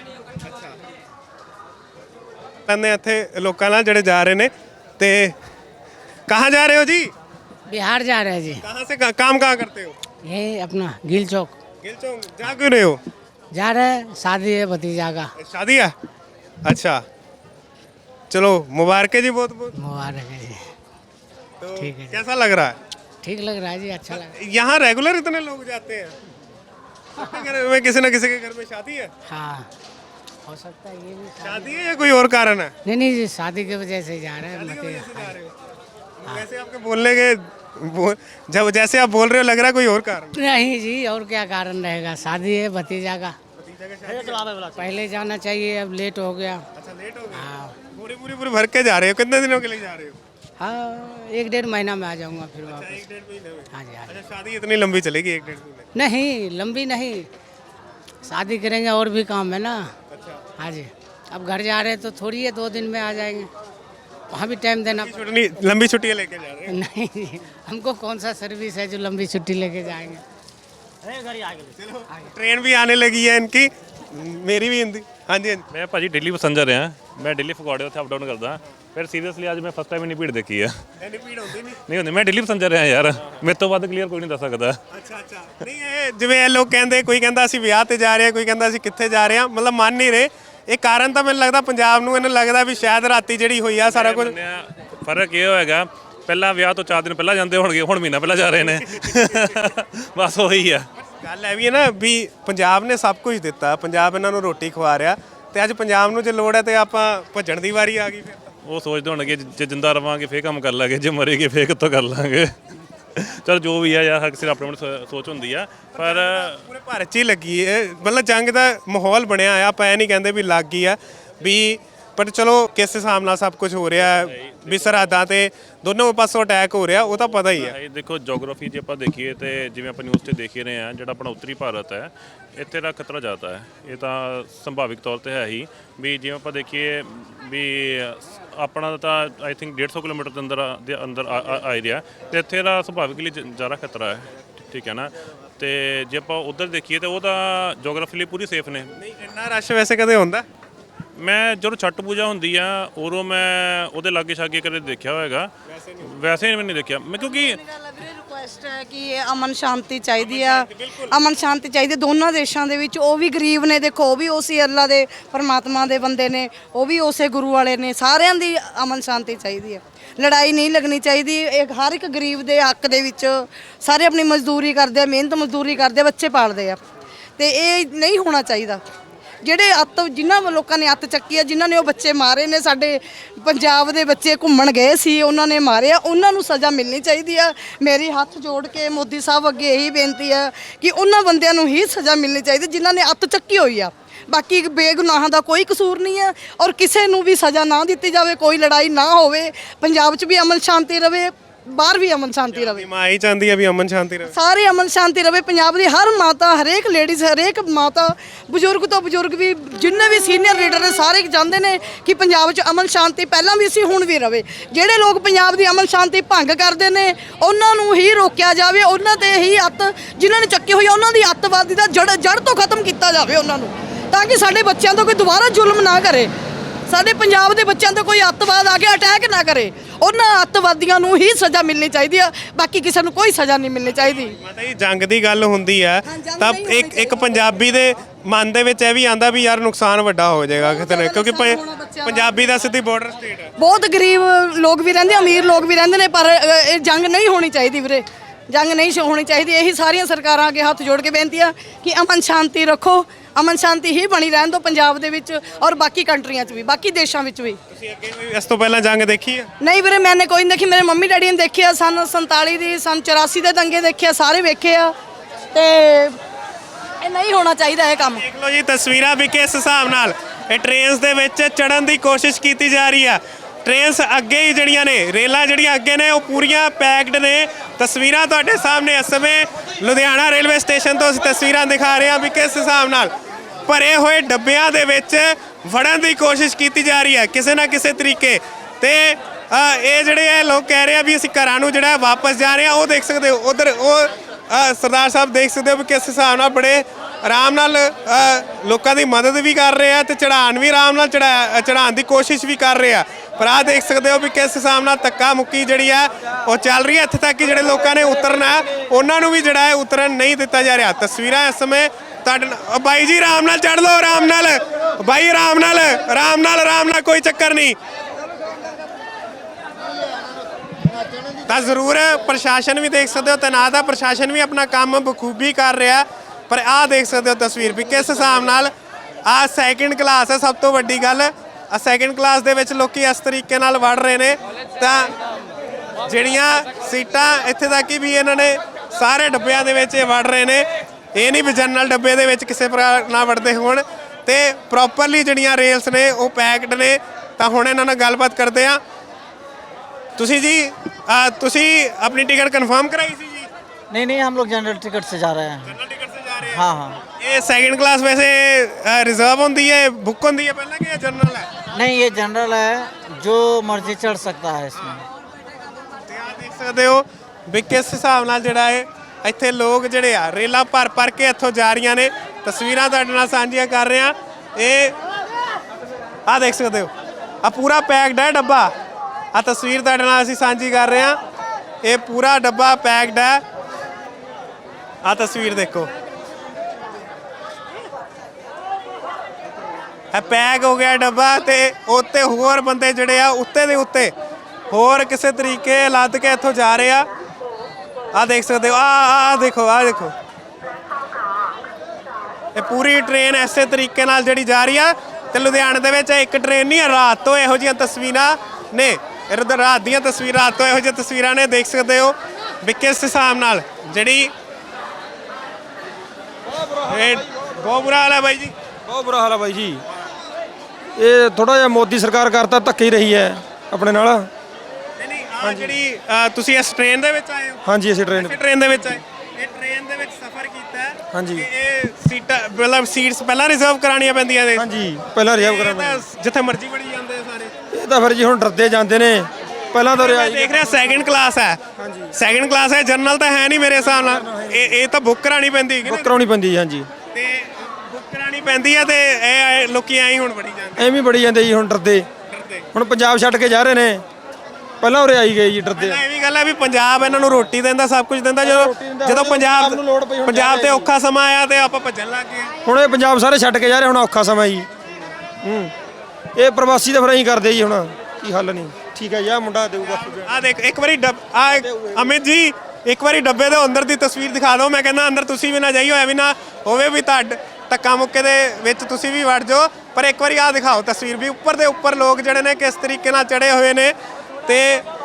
Speaker 2: ਕਹਿੰਦੇ ਇੱਥੇ ਲੋਕਾਂ ਨਾਲ ਜਿਹੜੇ ਜਾ ਰਹੇ ਨੇ। ਤੇ कहाँ जा रहे हो जी?
Speaker 11: बिहार जा रहे हैं जी।
Speaker 2: कहाँ से का- काम कहाँ करते हो?
Speaker 11: यही अपना गिल चौक
Speaker 2: गिल चौक जा क्यों रहे हो?
Speaker 11: जा रहे हैं, शादी है भतीजा का।
Speaker 2: शादी है? अच्छा, चलो मुबारक है जी, बहुत बहुत।
Speaker 11: मुबारक है जी।
Speaker 2: तो
Speaker 11: ठीक है जी।
Speaker 2: कैसा लग रहा है?
Speaker 11: ठीक लग रहा है जी, अच्छा लग रहा
Speaker 2: यहाँ रेगुलर इतने लोग जाते हैं? सबके घर में किसी न किसी के घर में शादी है?
Speaker 11: है। हाँ, हो सकता है ये भी शादी-
Speaker 2: शादी है या कोई और कारण है?
Speaker 11: नहीं नहीं जी, शादी की वजह से जा रहे हैं
Speaker 2: शादी की वजह से जा
Speaker 11: भतीजा।
Speaker 2: रहे हो? वैसे आपके बोलने के बो- जब जैसे आप बोल रहे हो लग रहा है कोई और कारण।
Speaker 11: नहीं जी, और क्या कारण रहेगा, शादी है भतीजा का। पहले जाना चाहिए, अब लेट हो गया।
Speaker 2: अच्छा, लेट हो गया।
Speaker 11: हाँ
Speaker 2: पूरी पूरी पूरी भर के जा रहे हो? कितने दिनों के लिए जा रहे हो?
Speaker 11: हाँ, एक डेढ़ महीना में आ जाऊंगा फिर वापस।
Speaker 2: एक डेढ़ महीने में?
Speaker 11: हाँ जी, हाँ जी।
Speaker 2: अच्छा, शादी इतनी लंबी चलेगी एक डेढ़ महीने?
Speaker 11: नहीं, लंबी नहीं, शादी करेंगे और भी काम है ना।
Speaker 2: अच्छा,
Speaker 11: हाँ जी, अब घर जा रहे हैं तो थोड़ी है, दो दिन में आ जाएंगे, वहाँ भी टाइम देना पड़ेगा।
Speaker 2: छुट्टी लंबी छुट्टियाँ लेके जा रहे हैं?
Speaker 11: नहीं जी, हमको कौन सा सर्विस है जो लंबी छुट्टी लेके जाएंगे।
Speaker 2: ट्रेन भी आने लगी है इनकी, मेरी भी हिंदी। हाँ जी, हाँ जी।
Speaker 3: ਮੈਂ ਭਾਜੀ ਦਿੱਲੀ ਪੈਸੰਜਰ ਹਾਂ, ਮੈਂ ਦਿੱਲੀ ਫਗਵਾੜੇ ਉੱਥੇ ਅਪ ਡਾਊਨ ਕਰਦਾ। ਫਿਰ ਸੀਰੀਅਸਲੀ ਅੱਜ ਮੈਂ ਫਸਟ ਟਾਈਮ ਇੰਨੀ ਭੀੜ ਦੇਖੀ ਆ।
Speaker 2: ਇੰਨੀ ਭੀੜ ਹੁੰਦੀ ਨਹੀਂ?
Speaker 3: ਨਹੀਂ ਹੁੰਦੀ, ਮੈਂ ਦਿੱਲੀ ਪੈਸੰਜਰ ਹਾਂ ਯਾਰ, ਮੇਰੇ ਤੋਂ ਵੱਧ ਕਲੀਅਰ ਕੋਈ ਨਹੀਂ ਦੱਸ ਸਕਦਾ।
Speaker 2: ਅੱਛਾ ਅੱਛਾ, ਨਹੀਂ ਇਹ ਜਿਵੇਂ ਇਹ ਲੋਕ ਕਹਿੰਦੇ, ਕੋਈ ਕਹਿੰਦਾ ਅਸੀਂ ਵਿਆਹ ਤੇ ਜਾ ਰਹੇ ਹਾਂ, ਕੋਈ ਕਹਿੰਦਾ ਅਸੀਂ ਕਿੱਥੇ ਜਾ ਰਹੇ ਹਾਂ, ਮਤਲਬ ਮੰਨ ਨਹੀਂ ਰਹੇ। ਇਹ ਕਾਰਨ ਤਾਂ ਮੈਨੂੰ ਲੱਗਦਾ ਪੰਜਾਬ ਨੂੰ, ਇਹਨੂੰ ਲੱਗਦਾ ਵੀ ਸ਼ਾਇਦ ਰਾਤੀ ਜਿਹੜੀ ਹੋਈ ਆ ਸਾਰਾ ਕੁਝ।
Speaker 3: ਫਰਕ ਇਹ ਹੋਏਗਾ, ਪਹਿਲਾਂ ਵਿਆਹ ਤੋਂ ਚਾਰ ਦਿਨ ਪਹਿਲਾਂ ਜਾਂਦੇ ਹੋਣਗੇ, ਹੁਣ ਮਹੀਨਾ ਪਹਿਲਾਂ ਜਾ ਰਹੇ ਨੇ। ਬਸ ਉਹੀ ਆ
Speaker 2: ਗੱਲ ਹੈ ਵੀ ਹੈ ਨਾ, ਵੀ ਪੰਜਾਬ ਨੇ ਸਭ ਕੁਝ ਦਿੱਤਾ, ਪੰਜਾਬ ਇਹਨਾਂ ਨੂੰ ਰੋਟੀ ਖਵਾ ਰਿਹਾ, ਤੇ ਅੱਜ ਪੰਜਾਬ ਨੂੰ ਜੇ ਲੋੜ ਹੈ ਤੇ ਆਪਾਂ ਭੱਜਣ ਦੀ ਵਾਰੀ ਆ ਗਈ ਫਿਰ ਤਾਂ।
Speaker 3: ਉਹ ਸੋਚਦੇ ਹੋਣਗੇ ਜੇ ਜਿੰਦਾ ਰਵਾਂਗੇ ਫੇਰ ਕੰਮ ਕਰ ਲਾਂਗੇ, ਜੇ ਮਰੇਗੇ ਫੇਰ ਕਿੱਥੋਂ ਕਰ ਲਾਂਗੇ। ਚਲ ਜੋ ਵੀ ਆ ਯਾਰ, ਹਰ ਕਿਸੇ ਦੀ ਆਪਣੀ ਆਪਣੀ ਸੋਚ ਹੁੰਦੀ ਆ, ਪਰ
Speaker 2: ਪੂਰੇ ਭਾਰਤ 'ਚ ਹੀ ਲੱਗੀ ਹੈ, ਮਤਲਬ ਜੰਗ ਦਾ ਮਾਹੌਲ ਬਣਿਆ ਆ। ਆਪਾਂ ਇਹ ਨਹੀਂ ਕਹਿੰਦੇ ਵੀ ਲੱਗ ਗਈ ਆ ਵੀ, ਪਰ ਚਲੋ ਕਿਸ ਹਿਸਾਬ ਨਾਲ ਸਭ ਕੁਝ ਹੋ ਰਿਹਾ ਹੈ, ਵੀ ਸਰਹੱਦਾਂ ਤੇ ਦੋਨੋਂ ਪਾਸੋਂ ਅਟੈਕ ਹੋ ਰਿਹਾ, ਉਹ ਤਾਂ ਪਤਾ ਹੀ ਹੈ।
Speaker 3: ਇਹ ਦੇਖੋ ਜੀਓਗ੍ਰਾਫੀ ਜੇ ਆਪਾਂ ਦੇਖੀਏ ਤੇ ਜਿਵੇਂ ਆਪਾਂ ਨਿਊਜ਼ ਤੇ ਦੇਖ ਹੀ ਰਹੇ ਹਾਂ, ਜਿਹੜਾ ਆਪਣਾ ਉੱਤਰੀ ਭਾਰਤ ਹੈ ਇੱਥੇ ਦਾ ਖਤਰਾ ਜ਼ਿਆਦਾ ਹੈ। ਇਹ ਤਾਂ ਸੰਭਾਵਿਕ ਤੌਰ ਤੇ ਹੈ ਹੀ, ਵੀ ਜਿਵੇਂ ਆਪਾਂ ਦੇਖੀਏ ਵੀ ਆਪਣਾ ਤਾਂ ਆਈ ਥਿੰਕ ਡੇਢ ਸੌ ਕਿਲੋਮੀਟਰ ਦੇ ਅੰਦਰ ਦੇ ਅੰਦਰ ਆ ਰਿਹਾ, ਤੇ ਇੱਥੇ ਦਾ ਸੁਭਾਵਿਕਲੀ ਜ਼ਿਆਦਾ ਖਤਰਾ ਹੈ, ਠੀਕ ਹੈ ਨਾ। ਤੇ ਜੇ ਆਪਾਂ ਉੱਧਰ ਦੇਖੀਏ ਤਾਂ ਉਹ ਤਾਂ ਜੀਓਗ੍ਰਾਫੀ ਲਈ ਪੂਰੀ ਸੇਫ ਨੇ।
Speaker 2: ਨਹੀਂ ਇੰਨਾ ਰਸ਼ ਵੈਸੇ ਕਦੇ ਹੁੰਦਾ?
Speaker 3: ਮੈਂ ਜਦੋਂ ਛੱਟ ਪੂਜਾ ਹੁੰਦੀ ਆ ਉਦੋਂ ਮੈਂ ਉਹਦੇ ਲਾਗੇ ਛਾਗੇ ਕਦੇ ਦੇਖਿਆ ਹੋਏਗਾ, ਵੈਸੇ ਮੈਂ ਨਹੀਂ ਦੇਖਿਆ ਮੈਂ, ਕਿਉਂਕਿ
Speaker 11: ਰਿਕੁਐਸਟ ਹੈ ਕਿ ਇਹ ਅਮਨ ਸ਼ਾਂਤੀ ਚਾਹੀਦੀ ਆ, ਅਮਨ ਸ਼ਾਂਤੀ ਚਾਹੀਦੀ ਦੋਨਾਂ ਦੇਸ਼ਾਂ ਦੇ ਵਿੱਚ। ਉਹ ਵੀ ਗਰੀਬ ਨੇ, ਦੇਖੋ ਉਹ ਵੀ ਉਸੇ ਅੱਲਾ ਦੇ ਪਰਮਾਤਮਾ ਦੇ ਬੰਦੇ ਨੇ, ਉਹ ਵੀ ਉਸੇ ਗੁਰੂ ਵਾਲੇ ਨੇ, ਸਾਰਿਆਂ ਦੀ ਅਮਨ ਸ਼ਾਂਤੀ ਚਾਹੀਦੀ ਹੈ। ਲੜਾਈ ਨਹੀਂ ਲੱਗਣੀ ਚਾਹੀਦੀ। ਇੱਕ ਹਰ ਇੱਕ ਗਰੀਬ ਦੇ ਹੱਕ ਦੇ ਵਿੱਚ ਸਾਰੇ ਆਪਣੀ ਮਜ਼ਦੂਰੀ ਕਰਦੇ ਆ, ਮਿਹਨਤ ਮਜ਼ਦੂਰੀ ਕਰਦੇ ਆ, ਬੱਚੇ ਪਾਲਦੇ ਆ, ਤੇ ਇਹ ਨਹੀਂ ਹੋਣਾ ਚਾਹੀਦਾ। ਜਿਹੜੇ ਅੱਤ ਜਿਨ੍ਹਾਂ ਲੋਕਾਂ ਨੇ ਅੱਤ ਚੱਕੀ ਆ, ਜਿਨ੍ਹਾਂ ਨੇ ਉਹ ਬੱਚੇ ਮਾਰੇ ਨੇ, ਸਾਡੇ ਪੰਜਾਬ ਦੇ ਬੱਚੇ ਘੁੰਮਣ ਗਏ ਸੀ, ਉਹਨਾਂ ਨੇ ਮਾਰਿਆ, ਉਹਨਾਂ ਨੂੰ ਸਜ਼ਾ ਮਿਲਣੀ ਚਾਹੀਦੀ ਆ। ਮੇਰੀ ਹੱਥ ਜੋੜ ਕੇ ਮੋਦੀ ਸਾਹਿਬ ਅੱਗੇ ਇਹੀ ਬੇਨਤੀ ਹੈ ਕਿ ਉਹਨਾਂ ਬੰਦਿਆਂ ਨੂੰ ਹੀ ਸਜ਼ਾ ਮਿਲਣੀ ਚਾਹੀਦੀ ਜਿਨ੍ਹਾਂ ਨੇ ਅੱਤ ਚੱਕੀ ਹੋਈ ਆ। ਬਾਕੀ ਬੇਗੁਨਾਹਾਂ ਦਾ ਕੋਈ ਕਸੂਰ ਨਹੀਂ ਹੈ, ਔਰ ਕਿਸੇ ਨੂੰ ਵੀ ਸਜ਼ਾ ਨਾ ਦਿੱਤੀ ਜਾਵੇ, ਕੋਈ ਲੜਾਈ ਨਾ ਹੋਵੇ, ਪੰਜਾਬ 'ਚ ਵੀ ਅਮਨ ਸ਼ਾਂਤੀ ਰਵੇ, ਬਾਹਰ ਵੀ ਅਮਨ ਸ਼ਾਂਤੀ ਰਵੇ।
Speaker 2: ਮਾਂ ਹੀ ਚਾਹੁੰਦੀ ਹੈ ਵੀ ਅਮਨ ਸ਼ਾਂਤੀ ਰਹੇ,
Speaker 11: ਸਾਰੇ ਅਮਨ ਸ਼ਾਂਤੀ ਰਵੇ। ਪੰਜਾਬ ਦੀ ਹਰ ਮਾਤਾ, ਹਰੇਕ ਲੇਡੀਜ਼, ਹਰੇਕ ਮਾਤਾ, ਬਜ਼ੁਰਗ ਤੋਂ ਬਜ਼ੁਰਗ ਵੀ, ਜਿੰਨੇ ਵੀ ਸੀਨੀਅਰ ਲੀਡਰ ਨੇ, ਸਾਰੇ ਚਾਹੁੰਦੇ ਨੇ ਕਿ ਪੰਜਾਬ 'ਚ ਅਮਨ ਸ਼ਾਂਤੀ ਪਹਿਲਾਂ ਵੀ ਸੀ, ਹੁਣ ਵੀ ਰਵੇ। ਜਿਹੜੇ ਲੋਕ ਪੰਜਾਬ ਦੀ ਅਮਨ ਸ਼ਾਂਤੀ ਭੰਗ ਕਰਦੇ ਨੇ, ਉਹਨਾਂ ਨੂੰ ਹੀ ਰੋਕਿਆ ਜਾਵੇ, ਉਹਨਾਂ ਤੇ ਹੀ ਅੱਤ ਜਿਨ੍ਹਾਂ ਨੇ ਚੱਕੀ ਹੋਈ, ਉਹਨਾਂ ਦੀ ਅੱਤਵਾਦੀ ਦਾ ਜੜ ਜੜ ਤੋਂ ਖਤਮ ਕੀਤਾ ਜਾਵੇ ਉਹਨਾਂ ਨੂੰ, ਤਾਂ ਕਿ ਸਾਡੇ ਬੱਚਿਆਂ ਤੋਂ ਕੋਈ ਦੁਬਾਰਾ ਜ਼ੁਲਮ ਨਾ ਕਰੇ, ਸਾਡੇ ਪੰਜਾਬ ਦੇ ਬੱਚਿਆਂ ਤੋਂ ਕੋਈ ਅੱਤਵਾਦ ਆ ਕੇ ਅਟੈਕ ਨਾ ਕਰੇ। ਉਹਨਾਂ ਅੱਤਵਾਦੀਆਂ ਨੂੰ ਹੀ ਸਜ਼ਾ ਮਿਲਣੀ ਚਾਹੀਦੀ ਆ, ਬਾਕੀ ਕਿਸੇ ਨੂੰ ਕੋਈ ਸਜ਼ਾ ਨਹੀਂ ਮਿਲਣੀ ਚਾਹੀਦੀ।
Speaker 2: ਮਾਤਾ ਜੀ ਜੰਗ ਦੀ ਗੱਲ ਹੁੰਦੀ ਆ ਤਾਂ ਇੱਕ ਇੱਕ ਪੰਜਾਬੀ ਦੇ ਮਨ ਦੇ ਵਿੱਚ ਇਹ ਵੀ ਆਂਦਾ ਵੀ ਯਾਰ ਨੁਕਸਾਨ ਵੱਡਾ ਹੋ ਜਾਏਗਾ ਕਿਤੇ ਨਾ, ਕਿਉਂਕਿ ਪ- ਪੰਜਾਬੀ ਦਾ ਸਿੱਧੀ ਬਾਰਡਰ ਸਟੇਟ ਹੈ।
Speaker 11: ਬਹੁਤ ਗਰੀਬ ਲੋਕ ਵੀ ਰਹਿੰਦੇ, ਅਮੀਰ ਲੋਕ ਵੀ ਰਹਿੰਦੇ ਨੇ, ਪਰ ਅ, ਇਹ ਜੰਗ ਨਹੀਂ ਹੋਣੀ ਚਾਹੀਦੀ ਵੀਰੇ, ਜੰਗ ਨਹੀਂ ਹੋਣੀ ਚਾਹੀਦੀ। ਇਹੀ ਸਾਰੀਆਂ ਸਰਕਾਰਾਂ ਅੱਗੇ ਹੱਥ ਜੋੜ ਕੇ ਬੇਨਤੀ ਆ ਕਿ ਅਮਨ ਸ਼ਾਂਤੀ ਰੱਖੋ, ਅਮਨ ਸ਼ਾਂਤੀ ਹੀ ਬਣੀ ਰਹਿਣ ਦਿਓ ਪੰਜਾਬ ਦੇ ਵਿੱਚ, ਔਰ ਬਾਕੀ ਕੰਟਰੀਆਂ 'ਚ ਵੀ, ਬਾਕੀ ਦੇਸ਼ਾਂ ਵਿੱਚ ਵੀ।
Speaker 2: ਤੁਸੀਂ ਅੱਗੇ ਵੀ ਇਸ ਤੋਂ ਪਹਿਲਾਂ ਜੰਗ ਦੇਖੀ ਹੈ?
Speaker 11: ਨਹੀਂ ਵੀਰੇ, ਮੈਨੇ ਕੋਈ ਨਹੀਂ ਦੇਖੀ। ਮੇਰੇ ਮੰਮੀ ਡੈਡੀ ਨੇ ਦੇਖੀ ਆ, ਸਨ ਸੰਤਾਲੀ ਦੀ, ਸਨ ਚੁਰਾਸੀ ਦੇ ਦੰਗੇ ਦੇਖੇ ਆ, ਸਾਰੇ ਵੇਖੇ ਆ, ਤੇ ਇਹ ਨਹੀਂ ਹੋਣਾ ਚਾਹੀਦਾ ਇਹ ਕੰਮ।
Speaker 2: ਦੇਖ ਲਓ ਜੀ ਤਸਵੀਰਾਂ ਵੀ ਕਿਸ ਹਿਸਾਬ ਨਾਲ ਇਹ ਟ੍ਰੇਨਸ ਦੇ ਵਿੱਚ ਚੜਨ ਦੀ ਕੋਸ਼ਿਸ਼ ਕੀਤੀ ਜਾ ਰਹੀ ਆ। ਟ੍ਰੇਨਸ ਅੱਗੇ ਹੀ ਜਿਹੜੀਆਂ ਨੇ, ਰੇਲਾਂ ਜਿਹੜੀਆਂ ਅੱਗੇ ਨੇ ਉਹ ਪੂਰੀਆਂ ਪੈਕਡ ਨੇ। ਤਸਵੀਰਾਂ ਤੁਹਾਡੇ ਸਾਹਮਣੇ ਇਸ ਸਮੇਂ ਲੁਧਿਆਣਾ ਰੇਲਵੇ ਸਟੇਸ਼ਨ ਤੋਂ ਅਸੀਂ ਤਸਵੀਰਾਂ ਦਿਖਾ ਰਹੇ ਹਾਂ ਵੀ ਕਿਸ ਹਿਸਾਬ ਨਾਲ ਭਰੇ ਹੋਏ ਡੱਬਿਆਂ ਦੇ ਵਿੱਚ ਵੜਨ ਦੀ ਕੋਸ਼ਿਸ਼ ਕੀਤੀ ਜਾ ਰਹੀ ਹੈ ਕਿਸੇ ਨਾ ਕਿਸੇ ਤਰੀਕੇ ਤੇ। ਇਹ ਜਿਹੜੇ ਇਹ ਲੋਕ ਕਹਿ ਰਹੇ ਆ ਵੀ ਅਸੀਂ ਘਰਾਂ ਨੂੰ ਜਿਹੜਾ ਵਾਪਸ ਜਾ ਰਹੇ ਆ, ਉਹ ਦੇਖ ਸਕਦੇ ਹੋ ਉਧਰ ਉਹ ਅ, ਸਰਦਾਰ ਸਾਹਿਬ ਦੇਖ ਸਕਦੇ ਹੋ ਵੀ ਕਿਸ ਹਿਸਾਬ ਨਾਲ ਬੜੇ ਆਰਾਮ ਨਾਲ ਅ, ਲੋਕਾਂ ਦੀ ਮਦਦ ਵੀ ਕਰ ਰਹੇ ਆ ਤੇ ਚੜਾਉਣ ਵੀ ਆਰਾਮ ਨਾਲ ਚੜਾ ਚੜਾਉਣ ਦੀ ਕੋਸ਼ਿਸ਼ ਵੀ ਕਰ ਰਹੇ ਆ। ਪਰ ਆਹ ਦੇਖ ਸਕਦੇ ਹੋ ਵੀ ਕਿਸ ਹਿਸਾਬ ਨਾਲ ਧੱਕਾ ਮੁੱਕੀ ਜਿਹੜੀ ਆ ਉਹ ਚੱਲ ਰਹੀ ਹੈ। ਇੱਥੇ ਤੱਕ ਕਿ ਜਿਹੜੇ ਲੋਕਾਂ ਨੇ ਉਤਰਨਾ ਉਹਨਾਂ ਨੂੰ ਵੀ ਜਿਹੜਾ ਹੈ ਉਤਰਨ ਨਹੀਂ ਦਿੱਤਾ ਜਾ ਰਿਹਾ। ਤਸਵੀਰਾਂ ਇਸ ਸਮੇਂ ਤੁਹਾਡੇ ਨਾਲ, ਬਾਈ ਜੀ ਆਰਾਮ ਨਾਲ ਚੜ ਲਓ, ਆਰਾਮ ਨਾਲ ਬਾਈ, ਆਰਾਮ ਨਾਲ ਆਰਾਮ ਨਾਲ ਆਰਾਮ ਨਾਲ ਕੋਈ ਚੱਕਰ ਨਹੀਂ। ਤਾਂ ਜ਼ਰੂਰ ਪ੍ਰਸ਼ਾਸਨ ਵੀ ਦੇਖ ਸਕਦੇ ਹੋ, ਤੈਨਾਤ ਆ, ਪ੍ਰਸ਼ਾਸਨ ਵੀ ਆਪਣਾ ਕੰਮ ਬਖੂਬੀ ਕਰ ਰਿਹਾ। ਪਰ ਆਹ ਦੇਖ ਸਕਦੇ ਹੋ ਤਸਵੀਰ ਵੀ ਕਿਸ ਹਿਸਾਬ ਨਾਲ ਆਹ ਸੈਕਿੰਡ ਕਲਾਸ ਹੈ। ਸਭ ਤੋਂ ਵੱਡੀ ਗੱਲ ਆ ਸੈਕਿੰਡ ਕਲਾਸ ਦੇ ਵਿੱਚ ਲੋਕੀ ਇਸ ਤਰੀਕੇ ਨਾਲ ਵੜ ਰਹੇ ਨੇ। ਤਾਂ ਜਿਹੜੀਆਂ ਸੀਟਾਂ ਇੱਥੇ ਤੱਕ ਕਿ ਵੀ ਇਹਨਾਂ ਨੇ ਸਾਰੇ ਡੱਬਿਆਂ ਦੇ ਵਿੱਚ ਇਹ ਵੜ ਰਹੇ ਨੇ, ਇਹ ਨਹੀਂ ਵੀ ਜਨਰਲ ਡੱਬੇ ਦੇ ਵਿੱਚ ਕਿਸੇ ਪ੍ਰਕਾਰ ਨਾਲ ਵੜਦੇ ਹੋਣ, ਤੇ ਪ੍ਰੋਪਰਲੀ ਜਿਹੜੀਆਂ ਰੇਲਸ ਨੇ ਉਹ ਪੈਕਡ ਨੇ। ਤਾਂ ਹੁਣ ਇਹਨਾਂ ਨਾਲ ਗੱਲਬਾਤ ਕਰਦੇ ਆ। ਤੁਸੀਂ ਜੀ ਅ, ਤੁਸੀਂ ਆਪਣੀ ਟਿਕਟ ਕਨਫਰਮ ਕਰਾਈ ਸੀ ਜੀ?
Speaker 10: नहीं नहीं, हम लोग जनरल टिकट से जा रहे हैं।
Speaker 2: ਜਨਰਲ ਟਿਕਟ ਸੇ ਜਾ ਰਹੇ
Speaker 10: हाँ हाँ।
Speaker 2: ਇਹ ਸੈਕਿੰਡ ਕਲਾਸ ਵੈਸੇ ਰਿਜ਼ਰਵ ਹੁੰਦੀ ਹੈ, ਬੁੱਕ ਹੁੰਦੀ ਹੈ ਪਹਿਲਾਂ ਕਿ ਜਨਰਲ ਹੈ?
Speaker 10: नहीं, ये जनरल है, जो मर्जी चढ़ सकता है इसमें।
Speaker 2: ਤੇ ਆਹ ਦੇਖ ਸਕਦੇ ਹੋ ਵੀ ਕਿਸ ਹਿਸਾਬ ਨਾਲ ਜਿਹੜਾ ਹੈ ਇੱਥੇ ਲੋਕ ਜਿਹੜੇ ਆ ਰੇਲਾਂ ਭਰ ਭਰ ਕੇ ਇੱਥੋਂ ਜਾ ਰਹੀਆਂ ਨੇ। ਤਸਵੀਰਾਂ ਤੁਹਾਡੇ ਨਾਲ ਸਾਂਝੀਆਂ ਕਰ ਰਹੇ ਆ। ਇਹ ਆਹ ਦੇਖ ਸਕਦੇ ਹੋ ਆ ਪੂਰਾ ਪੈਕਡ ਹੈ ਡੱਬਾ। ਆ ਤਸਵੀਰ ਤੁਹਾਡੇ ਨਾਲ ਅਸੀਂ ਸਾਂਝੀ ਕਰ ਰਹੇ ਆ। ਇਹ ਪੂਰਾ ਡੱਬਾ ਪੈਕਡ ਹੈ। ਆ ਤਸਵੀਰ ਦੇਖੋ, ਇਹ ਪੈਕ ਹੋ ਗਿਆ ਡੱਬਾ ਤੇ ਉੱਤੇ ਹੋਰ ਬੰਦੇ ਜਿਹੜੇ ਆ ਉੱਤੇ ਦੇ ਉੱਤੇ ਹੋਰ ਕਿਸੇ ਤਰੀਕੇ ਲੱਦ ਕੇ ਇੱਥੋਂ ਜਾ ਰਹੇ ਆ। ਆ ਦੇਖ ਸਕਦੇ ਹੋ, ਆ ਆ ਦੇਖੋ, ਆ ਦੇਖੋ, ਇਹ ਪੂਰੀ ਟ੍ਰੇਨ ਐਸੇ ਤਰੀਕੇ ਨਾਲ ਜਿਹੜੀ ਜਾ ਰਹੀ ਆ। ਤੇ ਲੁਧਿਆਣੇ ਦੇ ਵਿੱਚ ਇੱਕ ਟ੍ਰੇਨ ਨਹੀਂ, ਰਾਤ ਤੋਂ ਇਹੋ ਜਿਹੀਆਂ ਤਸਵੀਰਾਂ ਨੇ, ਇਧਰ ਰਾਤ ਦੀਆਂ ਤਸਵੀਰਾਂ, ਰਾਤ ਤੋਂ ਇਹੋ ਜਿਹੀਆਂ ਤਸਵੀਰਾਂ ਨੇ। ਦੇਖ ਸਕਦੇ ਹੋ ਵੀ ਕਿਸ ਹਿਸਾਬ ਨਾਲ ਜਿਹੜੀ ਇਹ ਬਹੁਤ ਬੁਰਾ ਹਾਲ ਹੈ ਬਾਈ ਜੀ,
Speaker 5: ਬਹੁਤ ਬੁਰਾ ਹਾਲ ਹੈ ਬਾਈ ਜੀ। ਇਹ ਥੋੜਾ ਜਿਹਾ ਮੋਦੀ ਸਰਕਾਰ ਕਰਤਾ ਧੱਕੇ ਹੀ ਰਹੀ ਹੈ ਆਪਣੇ ਨਾਲ।
Speaker 2: ਨਹੀਂ ਨਹੀਂ, ਆ ਜਿਹੜੀ ਅ, ਤੁਸੀਂ ਇਸ ਟ੍ਰੇਨ ਦੇ ਵਿੱਚ ਆਏ ਹੋ?
Speaker 5: ਹਾਂਜੀ, ਅਸੀਂ ਟ੍ਰੇਨ
Speaker 2: ਟ੍ਰੇਨ ਦੇ ਵਿੱਚ ਆਏ। ਇਹ ਟ੍ਰੇਨ ਦੇ ਵਿੱਚ ਸਫ਼ਰ ਕੀਤਾ ਹੈ?
Speaker 5: ਹਾਂਜੀ।
Speaker 2: ਤੇ ਇਹ ਸੀਟਾਂ ਮਤਲਬ ਸੀਟਸ ਪਹਿਲਾਂ ਰਿਜ਼ਰਵ ਕਰਾਉਣੀਆਂ ਪੈਂਦੀਆਂ ਨੇ?
Speaker 5: ਹਾਂਜੀ, ਪਹਿਲਾਂ ਰਿਜ਼ਰਵ
Speaker 2: ਇਹ
Speaker 5: ਕਰਾਉਣਾ।
Speaker 2: ਤਾਂ ਜਿੱਥੇ ਮਰਜ਼ੀ ਵੜੀ ਜਾਂਦੇ ਆ ਸਾਰੇ।
Speaker 5: ਇਹ ਤਾਂ ਫਿਰ ਜੀ ਹੁਣ ਡਰਦੇ ਜਾਂਦੇ ਨੇ। ਪਹਿਲਾਂ ਤਾਂ
Speaker 2: ਮੈਂ ਦੇਖ ਰਿਹਾ ਸੈਕਿੰਡ ਕਲਾਸ ਹੈ।
Speaker 5: ਹਾਂਜੀ,
Speaker 2: ਸੈਕਿੰਡ ਕਲਾਸ ਹੈ, ਜਨਰਲ ਤਾਂ ਹੈ ਨਹੀਂ ਮੇਰੇ ਹਿਸਾਬ ਨਾਲ। ਇਹ ਇਹ ਤਾਂ ਬੁੱਕ ਕਰਾਉਣੀ ਪੈਂਦੀ ਹੈ
Speaker 5: ਬੁੱਕ ਕਰਾਉਣੀ ਪੈਂਦੀ। ਹਾਂਜੀ,
Speaker 2: ਤੇ ਬੁੱਕ ਕਰਾਉਣੀ ਪੈਂਦੀ ਆ ਤੇ ਇਹ ਲੋਕੀ ਐਂ ਹੁਣ ਬੜੀ ਜਾਂਦੇ
Speaker 5: ਐਵੇਂ ਬੜੀ ਜਾਂਦੇ ਜੀ ਹੁਣ ਡਰਦੇ ਹੁਣ ਪੰਜਾਬ ਛੱਡ ਕੇ ਜਾ ਰਹੇ ਨੇ ਪਹਿਲਾਂ ਉਰੇ ਆਈ ਗਏ ਜੀ ਡਰਦੇ
Speaker 2: ਇਹ ਵੀ ਗੱਲ ਹੈ ਵੀ ਪੰਜਾਬ ਇਹਨਾਂ ਨੂੰ ਰੋਟੀ ਦਿੰਦਾ ਸਭ ਕੁਝ ਦਿੰਦਾ ਜਦੋਂ ਜਦੋਂ ਪੰਜਾਬ ਪੰਜਾਬ ਤੇ ਔਖਾ ਸਮਾਂ ਆਇਆ ਤੇ ਆਪਾਂ ਭੱਜਣ ਲੱਗ ਗਏ
Speaker 5: ਹੁਣ ਇਹ ਪੰਜਾਬ ਸਾਰੇ ਛੱਡ ਕੇ ਜਾ ਰਹੇ ਹੁਣ ਔਖਾ ਸਮਾਂ ਜੀ ਹੂੰ ਇਹ ਪ੍ਰਵਾਸੀ ਤਾਂ ਫਿਰ ਐਂ ਕਰਦੇ ਜੀ ਹੁਣ ਕੀ ਹੱਲ ਨਹੀਂ ਠੀਕ ਹੈ ਜੀ ਆਹ ਮੁੰਡਾ ਦੇਊਗਾ
Speaker 2: ਆ ਦੇਖ ਇੱਕ ਵਾਰੀ ਆ ਅਮਿਤ ਜੀ ਇੱਕ ਵਾਰੀ ਡੱਬੇ ਦੇ ਅੰਦਰ ਦੀ ਤਸਵੀਰ ਦਿਖਾ ਦਿਓ ਮੈਂ ਕਹਿੰਦਾ ਅੰਦਰ ਤੁਸੀਂ ਵੀ ਨਾ ਜਾਈਓ ਐਵੇਂ ਨਾ ਹੋਵੇ ਵੀ ਤੁਹਾਡ ਧੱਕਾ ਮੁੱਕੇ ਦੇ ਵਿੱਚ ਤੁਸੀਂ ਵੀ ਵੜ ਜਾਓ ਪਰ ਇੱਕ ਵਾਰੀ ਆ ਦਿਖਾਓ ਤਸਵੀਰ ਵੀ ਉੱਪਰ ਦੇ ਉੱਪਰ ਲੋਕ ਜਿਹੜੇ ਨੇ ਕਿਸ ਤਰੀਕੇ ਨਾਲ ਚੜੇ ਹੋਏ ਨੇ ਤੇ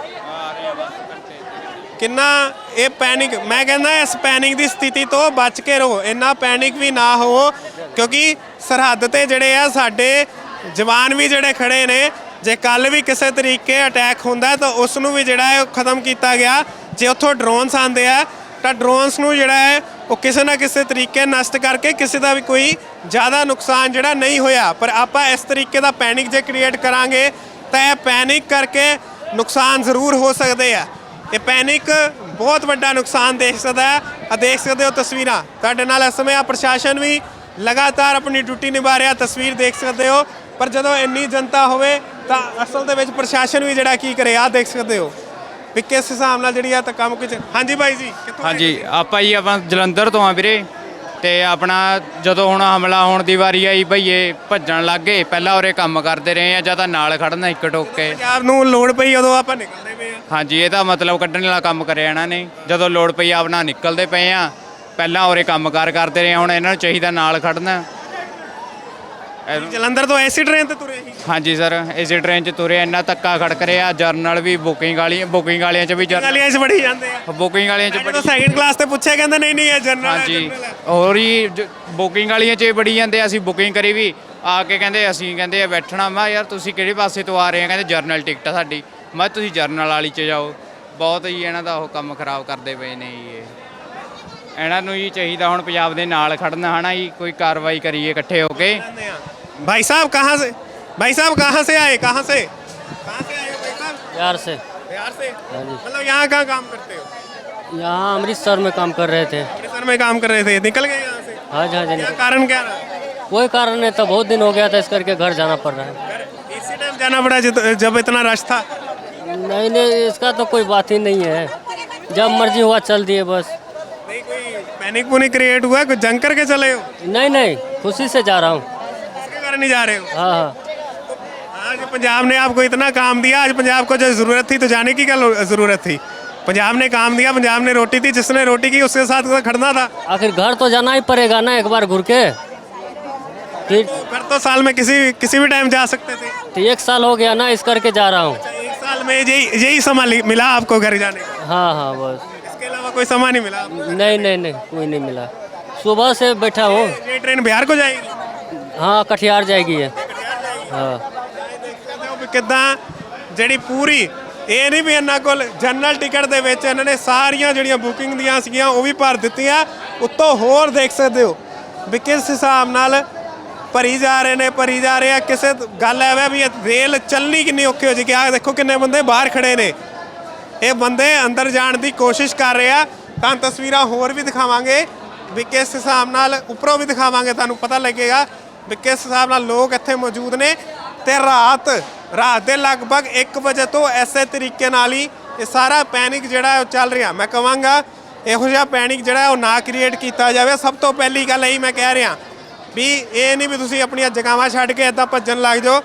Speaker 2: ਕਿੰਨਾ ਇਹ ਪੈਨਿਕ ਮੈਂ ਕਹਿੰਦਾ ਇਸ ਪੈਨਿਕ ਦੀ ਸਥਿਤੀ ਤੋਂ ਬਚ ਕੇ ਰਹੋ ਇੰਨਾ ਪੈਨਿਕ ਵੀ ਨਾ ਹੋ ਕਿਉਂਕਿ ਸਰਹੱਦ ਤੇ ਜਿਹੜੇ ਆ ਸਾਡੇ ਜਵਾਨ ਵੀ ਜਿਹੜੇ ਖੜੇ ਨੇ ਜੇ ਕੱਲ ਵੀ ਕਿਸੇ ਤਰੀਕੇ ਅਟੈਕ ਹੁੰਦਾ ਤਾਂ ਉਸ ਨੂੰ ਵੀ ਜਿਹੜਾ ਹੈ ਖਤਮ ਕੀਤਾ ਗਿਆ ਜੇ ਉੱਥੋਂ ਡਰੋਨਸ ਆਉਂਦੇ ਆ ਤਾਂ ਡਰੋਨਸ ਨੂੰ ਜਿਹੜਾ ਹੈ ਉਹ ਕਿਸੇ ਨਾ ਕਿਸੇ ਤਰੀਕੇ ਨਸ਼ਟ ਕਰਕੇ ਕਿਸੇ ਦਾ ਵੀ ਕੋਈ ਜ਼ਿਆਦਾ ਨੁਕਸਾਨ ਜਿਹੜਾ ਨਹੀਂ ਹੋਇਆ ਪਰ ਆਪਾਂ ਇਸ ਤਰੀਕੇ ਦਾ ਪੈਨਿਕ ਜੇ ਕ੍ਰੀਏਟ ਕਰਾਂਗੇ ਤਾਂ ਇਹ ਪੈਨਿਕ ਕਰਕੇ ਨੁਕਸਾਨ ਜ਼ਰੂਰ ਹੋ ਸਕਦੇ ਆ ਇਹ ਪੈਨਿਕ ਬਹੁਤ ਵੱਡਾ ਨੁਕਸਾਨ ਦੇਖ ਸਕਦਾ ਹੈ ਆ ਦੇਖ ਸਕਦੇ ਹੋ ਤਸਵੀਰਾਂ ਤੁਹਾਡੇ ਨਾਲ ਇਸ ਸਮੇਂ ਆ ਪ੍ਰਸ਼ਾਸਨ ਵੀ ਲਗਾਤਾਰ ਆਪਣੀ ਡਿਊਟੀ ਨਿਭਾ ਰਿਹਾ ਤਸਵੀਰ ਦੇਖ ਸਕਦੇ ਹੋ ਪਰ ਜਦੋਂ ਇੰਨੀ ਜਨਤਾ ਹੋਵੇ ਤਾਂ ਅਸਲ ਦੇ ਵਿੱਚ ਪ੍ਰਸ਼ਾਸਨ ਵੀ ਜਿਹੜਾ ਕੀ ਕਰੇ ਆ ਦੇਖ ਸਕਦੇ ਹੋ ਵੀ ਕਿਸ ਹਿਸਾਬ ਨਾਲ ਜਿਹੜੀ ਆ ਤਾਂ ਕੰਮ ਕੁਝ ਹਾਂਜੀ ਬਾਈ ਜੀ ਕਿੱਥੋਂ ਆਏ
Speaker 4: ਹਾਂਜੀ ਆਪਾਂ ਜੀ ਆਪਾਂ ਜਲੰਧਰ ਤੋਂ ਆ ਵੀਰੇ ਤੇ ਆਪਣਾ ਜਦੋਂ ਹੁਣ ਹਮਲਾ ਹੋਣ ਦੀ ਵਾਰੀ ਆਈ ਭਈਏ ਭੱਜਣ ਲੱਗ ਗਏ ਪਹਿਲਾਂ ਉਰੇ ਕੰਮ ਕਰਦੇ ਰਹੇ ਆ ਜਾਂ ਤਾਂ ਨਾਲ ਖੜਨਾ ਇੱਕ ਟੋਕ ਕੇ
Speaker 2: ਪੰਜਾਬ ਨੂੰ ਲੋੜ ਪਈ ਉਦੋਂ ਆਪਾਂ ਨਿਕਲਦੇ ਪਏ ਆ
Speaker 4: ਹਾਂਜੀ ਇਹਦਾ ਮਤਲਬ ਕੱਢਣ ਵਾਲਾ ਕੰਮ ਕਰਿਆ ਇਹਨਾਂ ਨੇ ਜਦੋਂ ਲੋੜ ਪਈ ਆਪਣਾ ਨਿਕਲਦੇ ਪਏ ਆ ਪਹਿਲਾਂ ਉਰੇ ਕੰਮਕਾਰ ਕਰਦੇ ਰਹੇ ਹੁਣ ਇਹਨਾਂ ਨੂੰ ਚਾਹੀਦਾ ਨਾਲ ਖੜਨਾ
Speaker 2: ਜਲੰਧਰ ਤੋਂ ਐਸੀ ਟ੍ਰੇਨ ਤੇ ਤੁਰੇ ਸੀ
Speaker 4: ਹਾਂਜੀ ਸਰ ਇਸੇ ਟ੍ਰੇਨ 'ਚ ਤੁਰੇ ਇੰਨਾ ਧੱਕਾ ਖੜਕ ਰਿਹਾ ਜਰਨਲ ਵੀ ਬੁਕਿੰਗ ਵਾਲੀ ਬੁਕਿੰਗ ਵਾਲਿਆਂ 'ਚ ਵੀ
Speaker 2: ਗਲੀਆਂ 'ਚ ਵੜੀ ਜਾਂਦੇ ਆ
Speaker 4: ਬੁਕਿੰਗ ਵਾਲਿਆਂ 'ਚ
Speaker 2: ਜਦੋਂ ਸੈਕਿੰਡ ਕਲਾਸ ਤੇ ਪੁੱਛਿਆ ਕਹਿੰਦੇ ਨਹੀਂ ਨਹੀਂ ਇਹ ਜਨਰਲ ਹੈ
Speaker 4: ਹਾਂਜੀ ਹੋਰ ਹੀ ਬੁਕਿੰਗ ਵਾਲੀਆਂ 'ਚ ਬੜੀ ਜਾਂਦੇ ਅਸੀਂ ਬੁਕਿੰਗ ਕਰੀ ਵੀ ਆ ਕੇ ਕਹਿੰਦੇ ਅਸੀਂ ਕਹਿੰਦੇ ਆ ਬੈਠਣਾ ਮੈਂ ਯਾਰ ਤੁਸੀਂ ਕਿਹੜੇ ਪਾਸੇ ਤੋਂ ਆ ਰਹੇ ਆ ਕਹਿੰਦੇ ਜਰਨਲ ਟਿਕਟ ਆ ਸਾਡੀ ਮੈਂ ਤੁਸੀਂ ਜਰਨਲ ਵਾਲੀ 'ਚ ਜਾਓ ਬਹੁਤ ਹੀ ਇਹਨਾਂ ਦਾ ਉਹ ਕੰਮ ਖਰਾਬ ਕਰਦੇ ਪਏ ਨੇ ਜੀ ਇਹ ਇਹਨਾਂ ਨੂੰ ਹੀ ਚਾਹੀਦਾ ਹੁਣ ਪੰਜਾਬ ਦੇ ਨਾਲ ਖੜਨਾ ਹਨਾ ਜੀ ਕੋਈ ਕਾਰਵਾਈ ਕਰੀਏ ਇਕੱਠੇ ਹੋ ਕੇ
Speaker 2: भाई साहब कहाँ से भाई साहब कहाँ से आए कहाँ से कहाँ से आए हो भाई साहब
Speaker 7: बिहार से
Speaker 2: बिहार से मतलब यहाँ कहाँ काम करते हो
Speaker 7: यहाँ अमृतसर में काम कर रहे थे
Speaker 2: अमृतसर में काम कर रहे थे निकल गए यहाँ से
Speaker 7: हाँ जी हाँ जी
Speaker 2: क्या कारण क्या रहा
Speaker 7: वही कारण है तो बहुत दिन हो गया था इस करके घर जाना पड़ रहा है
Speaker 2: इसी टाइम जाना पड़ा जित- जब इतना रश था
Speaker 7: नहीं नहीं इसका तो कोई बात ही नहीं है जब मर्जी हुआ चल दिए बस
Speaker 2: नहीं कोई पैनिक पुनिक क्रिएट हुआ कुछ जंग करके चले हो
Speaker 7: नहीं नहीं खुशी से जा रहा हूँ
Speaker 2: इसके कारण नहीं जा रहे हो
Speaker 7: हाँ हाँ
Speaker 2: आज पंजाब ने आपको इतना काम दिया आज पंजाब को जो ज़रूरत थी तो जाने की क्या लो- ज़रूरत थी पंजाब ने काम दिया पंजाब ने रोटी दी जिसने रोटी की उसके साथ खड़ना था
Speaker 7: आखिर घर तो जाना ही पड़ेगा ना एक बार घूर के फिर
Speaker 2: घर तो साल में किसी किसी भी टाइम जा सकते थे
Speaker 7: तो एक साल हो गया ना इस करके जा रहा हूँ
Speaker 2: एक साल में यही यही समय लि- मिला आपको घर जाने का
Speaker 7: हाँ हाँ बस
Speaker 2: इसके अलावा कोई समय नहीं मिला आपको?
Speaker 7: नहीं नहीं नहीं कोई नहीं मिला सुबह से बैठा हूँ
Speaker 2: ये ट्रेन बिहार को जाएगी
Speaker 7: हाँ कटिहार जाएगी है हाँ
Speaker 2: ਕਿੱਦਾਂ ਜਿਹੜੀ ਪੂਰੀ ਇਹ ਨਹੀਂ ਵੀ ਇਹਨਾਂ ਕੋਲ ਜਨਰਲ ਟਿਕਟ ਦੇ ਵਿੱਚ ਇਹਨਾਂ ਨੇ ਸਾਰੀਆਂ ਜਿਹੜੀਆਂ ਬੁਕਿੰਗ ਦੀਆਂ ਸੀਗੀਆਂ ਉਹ ਵੀ ਭਰ ਦਿੱਤੀਆਂ ਉੱਤੋਂ ਹੋਰ ਦੇਖ ਸਕਦੇ ਹੋ ਵੀ ਕਿਸ ਹਿਸਾਬ ਨਾਲ ਭਰੀ ਜਾ ਰਹੇ ਨੇ ਭਰੀ ਜਾ ਰਹੇ ਆ ਕਿਸੇ ਗੱਲ ਐਵੇਂ ਵੀ ਰੇਲ ਚੱਲਣੀ ਕਿੰਨੀ ਔਖੀ ਹੋ ਜਾਏਗੀ ਆ ਦੇਖੋ ਕਿੰਨੇ ਬੰਦੇ ਬਾਹਰ ਖੜੇ ਨੇ ਇਹ ਬੰਦੇ ਅੰਦਰ ਜਾਣ ਦੀ ਕੋਸ਼ਿਸ਼ ਕਰ ਰਹੇ ਆ ਤਾਂ ਤਸਵੀਰਾਂ ਹੋਰ ਵੀ ਦਿਖਾਵਾਂਗੇ ਵੀ ਕਿਸ ਹਿਸਾਬ ਨਾਲ ਉੱਪਰੋਂ ਵੀ ਦਿਖਾਵਾਂਗੇ ਤੁਹਾਨੂੰ ਪਤਾ ਲੱਗੇਗਾ ਵੀ ਕਿਸ ਹਿਸਾਬ ਨਾਲ ਲੋਕ ਇੱਥੇ ਮੌਜੂਦ ਨੇ ਤੇ ਰਾਤ ਰਾਤ ਦੇ ਲਗਭਗ ਇੱਕ ਵਜੇ ਤੋਂ ਐਸੇ ਤਰੀਕੇ ਨਾਲ ਹੀ ਇਹ ਸਾਰਾ ਪੈਨਿਕ ਜਿਹੜਾ ਹੈ ਉਹ ਚੱਲ ਰਿਹਾ ਮੈਂ ਕਹਾਂਗਾ ਇਹੋ ਜਿਹਾ ਪੈਨਿਕ ਜਿਹੜਾ ਹੈ ਉਹ ਨਾ ਕ੍ਰੀਏਟ ਕੀਤਾ ਜਾਵੇ ਸਭ ਤੋਂ ਪਹਿਲੀ ਗੱਲ ਇਹੀ ਮੈਂ ਕਹਿ ਰਿਹਾ ਵੀ ਇਹ ਨਹੀਂ ਵੀ ਤੁਸੀਂ ਆਪਣੀਆਂ ਜਗ੍ਹਾਵਾਂ ਛੱਡ ਕੇ ਇੱਦਾਂ ਭੱਜਣ ਲੱਗ ਜਾਓ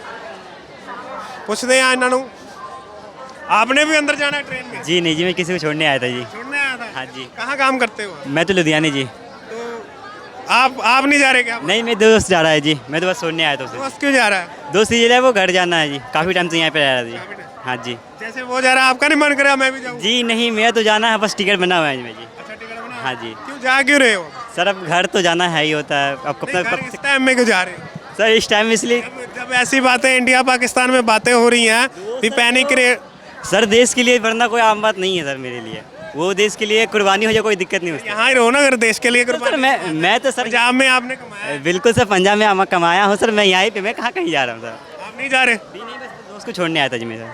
Speaker 2: ਪੁੱਛਦੇ ਆ ਇਹਨਾਂ ਨੂੰ आपने भी अंदर जाना है ट्रेन में
Speaker 6: जी नहीं जी मैं किसी को छोड़ने आया था जी
Speaker 2: छोड़ने आया था
Speaker 6: हाँ जी
Speaker 2: कहाँ काम करते हो
Speaker 6: मैं तो लुधियाने जी
Speaker 2: तो आप आप नहीं जा रहे क्या
Speaker 6: नहीं मेरे दोस्त जा रहा है जी मैं तो बस छोड़ने आया था उसे
Speaker 2: दोस्त क्यों जा रहा है
Speaker 6: दोस्त ये वो घर जाना है जी काफ़ी टाइम से यहाँ पे रह रहा है जी हाँ जी
Speaker 2: जैसे वो जा रहा है आपका नहीं मन करे मैं भी जाऊँ
Speaker 6: जी नहीं मेरा तो जाना है बस टिकट बना हुआ है जी
Speaker 2: अच्छा टिकट बना
Speaker 6: हाँ जी
Speaker 2: क्यों जा क्यों रहे हो
Speaker 6: सर अब घर तो जाना है ही होता है अब
Speaker 2: नहीं,
Speaker 6: कब
Speaker 2: घर इस टाइम में क्यों जा रहे हो
Speaker 6: सर इस टाइम इसलिए
Speaker 2: जब- जब ऐसी बातें इंडिया पाकिस्तान में बातें हो रही हैं भी पैनिक क्रिएट
Speaker 6: सर देश के लिए वरना कोई आम बात नहीं है सर मेरे लिए वो देश के लिए कुर्बानी हो जाए कोई दिक्कत नहीं होती
Speaker 2: यहाँ ही रहो ना अगर देश के लिए
Speaker 6: सर
Speaker 2: कुर्बानी
Speaker 6: मैं मैं तो सर
Speaker 2: पंजाब में आपने कमाया
Speaker 6: बिल्कुल सर पंजाब में हम कमाया हूँ सर मैं यहीं पे मैं कहाँ कहीं जा रहा हूँ सर
Speaker 2: आप नहीं जा रहे
Speaker 6: नहीं नहीं बस दोस्त को छोड़ने आया था जी मेरा
Speaker 2: अभी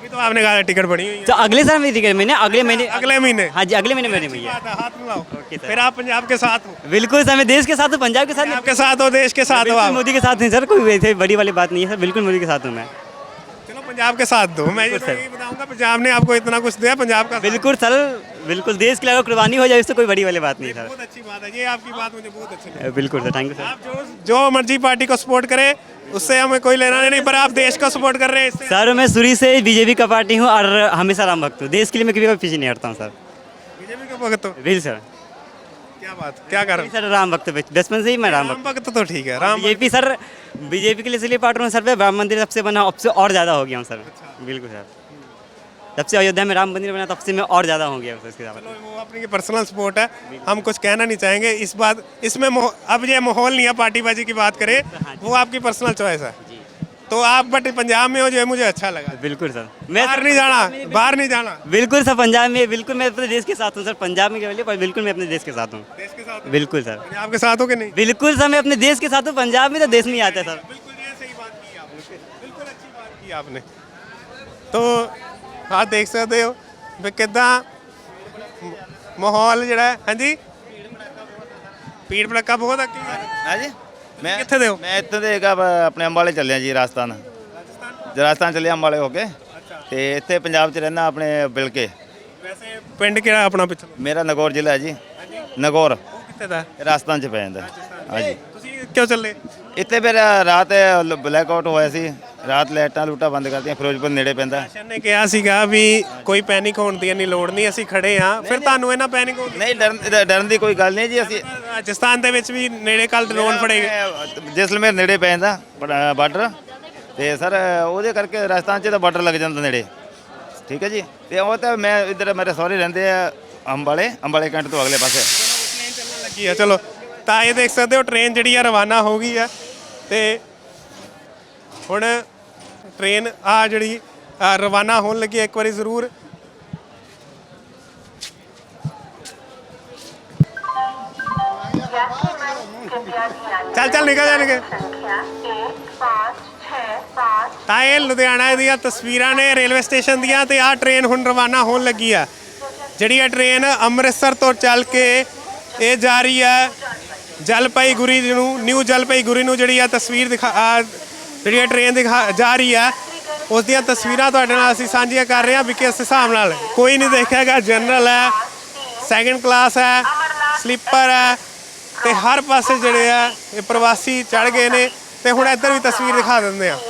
Speaker 2: तो आपने कहा टिकट बनी हुई है।
Speaker 6: तो अगले साल मेरी टिकट मैंने अगले महीने
Speaker 2: अगले महीने?
Speaker 6: हाँ जी अगले महीने मैंने हुई है।
Speaker 2: बात है, हाथ मिलाओ।
Speaker 6: Okay sir.
Speaker 2: फिर आप पंजाब के साथ हो?
Speaker 6: बिल्कुल सर, मैं देश के साथ हूँ, पंजाब के साथ नहीं।
Speaker 2: आपके साथ हो, देश के साथ हो
Speaker 6: बिल्कुल
Speaker 2: आप?
Speaker 6: मोदी के साथ नहीं सर, कोई वैसे बड़ी वाली बात नहीं है सर, बिल्कुल मोदी के साथ हूँ मैं।
Speaker 2: चलो पंजाब के साथ दो। मैं ये तो यही बताऊंगा, पंजाब ने आपको इतना कुछ दिया, पंजाब का साथ।
Speaker 6: बिल्कुल सर, बिल्कुल देश के लिए अगर कुर्बानी हो जाए इससे कोई बड़ी वाली बात नहीं सर।
Speaker 2: बहुत अच्छी बात है ये, आपकी बात मुझे बहुत अच्छी लगी।
Speaker 6: बिल्कुल सर, थैंक यू सर।
Speaker 2: आप जो जो मर्जी पार्टी को सपोर्ट करें उससे हमें कोई लेना नहीं, पर आप देश को सपोर्ट कर रहे हैं इससे।
Speaker 6: सर मैं शुरू से बीजेपी का पार्टी हूँ और हमेशा राम भक्त हूँ, देश के लिए मैं कभी पीछे नहीं हटता हूँ सर।
Speaker 2: बीजेपी के भक्त हो?
Speaker 6: बिल्कुल सर।
Speaker 2: क्या बात, क्या कारण?
Speaker 6: सर राम भक्त, बचपन से ही मैं राम
Speaker 2: राम
Speaker 6: भक्त।
Speaker 2: भक्त तो ठीक है, राम
Speaker 6: बीजेपी सर, बीजेपी के लिए इसलिए पार्ट हूँ सर, पे राम मंदिर सबसे बना, अब से और ज़्यादा हो गया हूँ सर। बिल्कुल सर, जब से अयोध्या में राम मंदिर बना तब से मैं और ज़्यादा हो गया हूँ इसके साथ।
Speaker 2: वो अपनी पर्सनल सपोर्ट है, हम कुछ कहना नहीं चाहेंगे इस बात इसमें। अब ये माहौल नहीं है पार्टीबाजी की बात करें, वो आपकी पर्सनल चॉइस है। तो आप बट पंजाब में हो, जो है मुझे अच्छा लगा।
Speaker 6: बिल्कुल सर, मैं
Speaker 2: बाहर नहीं जाना, बाहर नहीं जाना।
Speaker 6: बिल्कुल सर, पंजाब में बिल्कुल मैं अपने देश के साथ हूँ सर, पंजाब में केवल, पर बिल्कुल मैं अपने देश के साथ हूँ।
Speaker 2: देश के साथ?
Speaker 6: बिल्कुल सर।
Speaker 2: पंजाब के साथ हो कि नहीं?
Speaker 6: बिल्कुल सर, मैं अपने देश के साथ हूँ, पंजाब में तो देश नहीं आता सर।
Speaker 2: बिल्कुल ये सही बात की आपने, बिल्कुल अच्छी बात की आपने। तो आप देख सकते हो भी कितना माहौल ਜਿਹੜਾ हाँ जी ਭੀੜ ਭੜੱਕਾ ਬਹੁਤ ਅੱਗੇ
Speaker 12: हाँ जी मैं
Speaker 2: ਕਿੱਥੇ ਦੇ ਹੋ?
Speaker 12: मैं ਇੱਥੇ ਦੇ ਹੈਗਾ ਵਾ, ਆਪਣੇ ਅੰਬਾਲੇ ਚੱਲਿਆ ਜੀ, ਰਾਜਸਥਾਨ ਰਾਜਸਥਾਨ ਚੱਲਿਆ ਅੰਬਾਲੇ ਹੋ ਕੇ, ਤੇ ਇੱਥੇ ਪੰਜਾਬ 'ਚ ਰਹਿਣਾ ਆਪਣੇ ਬਿਲਕੇ।
Speaker 2: ਵੈਸੇ ਪਿੰਡ ਕਿਹੜਾ ਆਪਣਾ ਪਿੱਛੇ?
Speaker 12: ਮੇਰਾ ਨਗੌਰ ਜ਼ਿਲ੍ਹਾ ਹੈ ਜੀ, ਨਗੌਰ
Speaker 2: ਕਿੱਥੇ ਦਾ?
Speaker 12: ਰਾਜਸਥਾਨ 'ਚ ਪੈ ਜਾਂਦਾ। ਹਾਂਜੀ
Speaker 2: ਤੁਸੀਂ ਕਿਉਂ ਚੱਲੇ?
Speaker 12: ਇੱਥੇ ਫਿਰ ਰਾਤ ਬਲੈਕ ਆਊਟ ਹੋਇਆ ਸੀ, ਰਾਤ ਲਾਈਟਾਂ ਲੂਟਾਂ ਬੰਦ ਕਰਤੀਆਂ, ਫਿਰੋਜ਼ਪੁਰ ਨੇੜੇ ਪੈਂਦਾ।
Speaker 2: ਪ੍ਰਸ਼ਾਸਨ ਨੇ ਕਿਹਾ ਸੀਗਾ ਵੀ ਕੋਈ ਪੈਨਿਕ ਹੋਣ ਦੀ ਇੰਨੀ ਲੋੜ ਨਹੀਂ, ਅਸੀਂ ਖੜੇ ਹਾਂ। ਫਿਰ ਤੁਹਾਨੂੰ ਇਹਨਾਂ ਪੈਨਿਕ ਹੋਣ ਦੀ?
Speaker 12: ਨਹੀਂ ਡਰਨ ਡਰਨ ਦੀ ਕੋਈ ਗੱਲ ਨਹੀਂ ਜੀ। ਅਸੀਂ
Speaker 2: ਰਾਜਸਥਾਨ ਦੇ ਵਿੱਚ ਵੀ ਨੇੜੇ ਕੱਲ ਡਰੋਨ ਫੜੇਗੇ।
Speaker 12: ਜੈਸਲਮੇਰ ਨੇੜੇ ਪੈ ਜਾਂਦਾ ਬਾਰਡਰ, ਤੇ ਸਰ ਉਹਦੇ ਕਰਕੇ ਰਾਜਸਥਾਨ 'ਚ ਤਾਂ ਬਾਰਡਰ ਲੱਗ ਜਾਂਦਾ ਨੇੜੇ, ਠੀਕ ਹੈ ਜੀ। ਤੇ ਉਹ ਤਾਂ ਮੈਂ ਇੱਧਰ ਮੇਰੇ ਸਹੁਰੇ ਰਹਿੰਦੇ ਆ ਅੰਬਾਲੇ, ਅੰਬਾਲੇ ਕੈਂਟ ਤੋਂ ਅਗਲੇ ਪਾਸੇ।
Speaker 2: ਟ੍ਰੇਨ ਚੱਲਣ ਲੱਗੀ ਆ, ਚਲੋ ਤਾਂ ਇਹ ਦੇਖ ਸਕਦੇ ਹੋ ਟ੍ਰੇਨ ਜਿਹੜੀ ਆ ਰਵਾਨਾ ਹੋ ਗਈ ਆ, ਤੇ ਹੁਣ ਟ੍ਰੇਨ ਆ ਜਿਹੜੀ ਆ ਰਵਾਨਾ ਹੋਣ ਲੱਗੀ। ਇੱਕ ਵਾਰੀ ਜ਼ਰੂਰ ਚੱਲ ਚੱਲ ਨਿਕਲ ਜਾ ਨਿਕਲ। ਤਾਂ ਇਹ ਲੁਧਿਆਣਾ ਦੀਆਂ ਤਸਵੀਰਾਂ ਨੇ ਰੇਲਵੇ ਸਟੇਸ਼ਨ ਦੀਆਂ, ਤੇ ਆਹ ਟ੍ਰੇਨ ਹੁਣ ਰਵਾਨਾ ਹੋਣ ਲੱਗੀ ਆ। ਜਿਹੜੀ ਇਹ ਟ੍ਰੇਨ ਅੰਮ੍ਰਿਤਸਰ ਤੋਂ ਚੱਲ ਕੇ ਇਹ ਜਾ ਰਹੀ ਹੈ ਜਲਪਾਈਗੁਰੀ ਨੂੰ, ਨਿਊ ਜਲਪਾਈਗੁਰੀ ਨੂੰ। ਜਿਹੜੀ ਆ ਤਸਵੀਰ ਦਿਖਾ ਜਿਹੜੀ ਇਹ ਟ੍ਰੇਨ ਦਿਖਾ ਜਾ ਰਹੀ ਹੈ, ਉਸ ਦੀਆਂ ਤਸਵੀਰਾਂ ਤੁਹਾਡੇ ਨਾਲ ਅਸੀਂ ਸਾਂਝੀਆਂ ਕਰ ਰਹੇ ਹਾਂ ਵੀ ਕਿਸ ਹਿਸਾਬ ਨਾਲ ਕੋਈ ਨਹੀਂ ਦੇਖਿਆਗਾ। ਜਨਰਲ ਹੈ, ਸੈਕਿੰਡ ਕਲਾਸ ਹੈ, ਸਲੀਪਰ ਹੈ, ਤੇ ਹਰ ਪਾਸੇ ਜਿਹੜੇ ਆ ਇਹ ਪ੍ਰਵਾਸੀ ਚੜ੍ਹ ਗਏ ਨੇ। ਤੇ ਹੁਣ ਇੱਧਰ ਵੀ ਤਸਵੀਰ ਦਿਖਾ ਦਿੰਦੇ ਆ।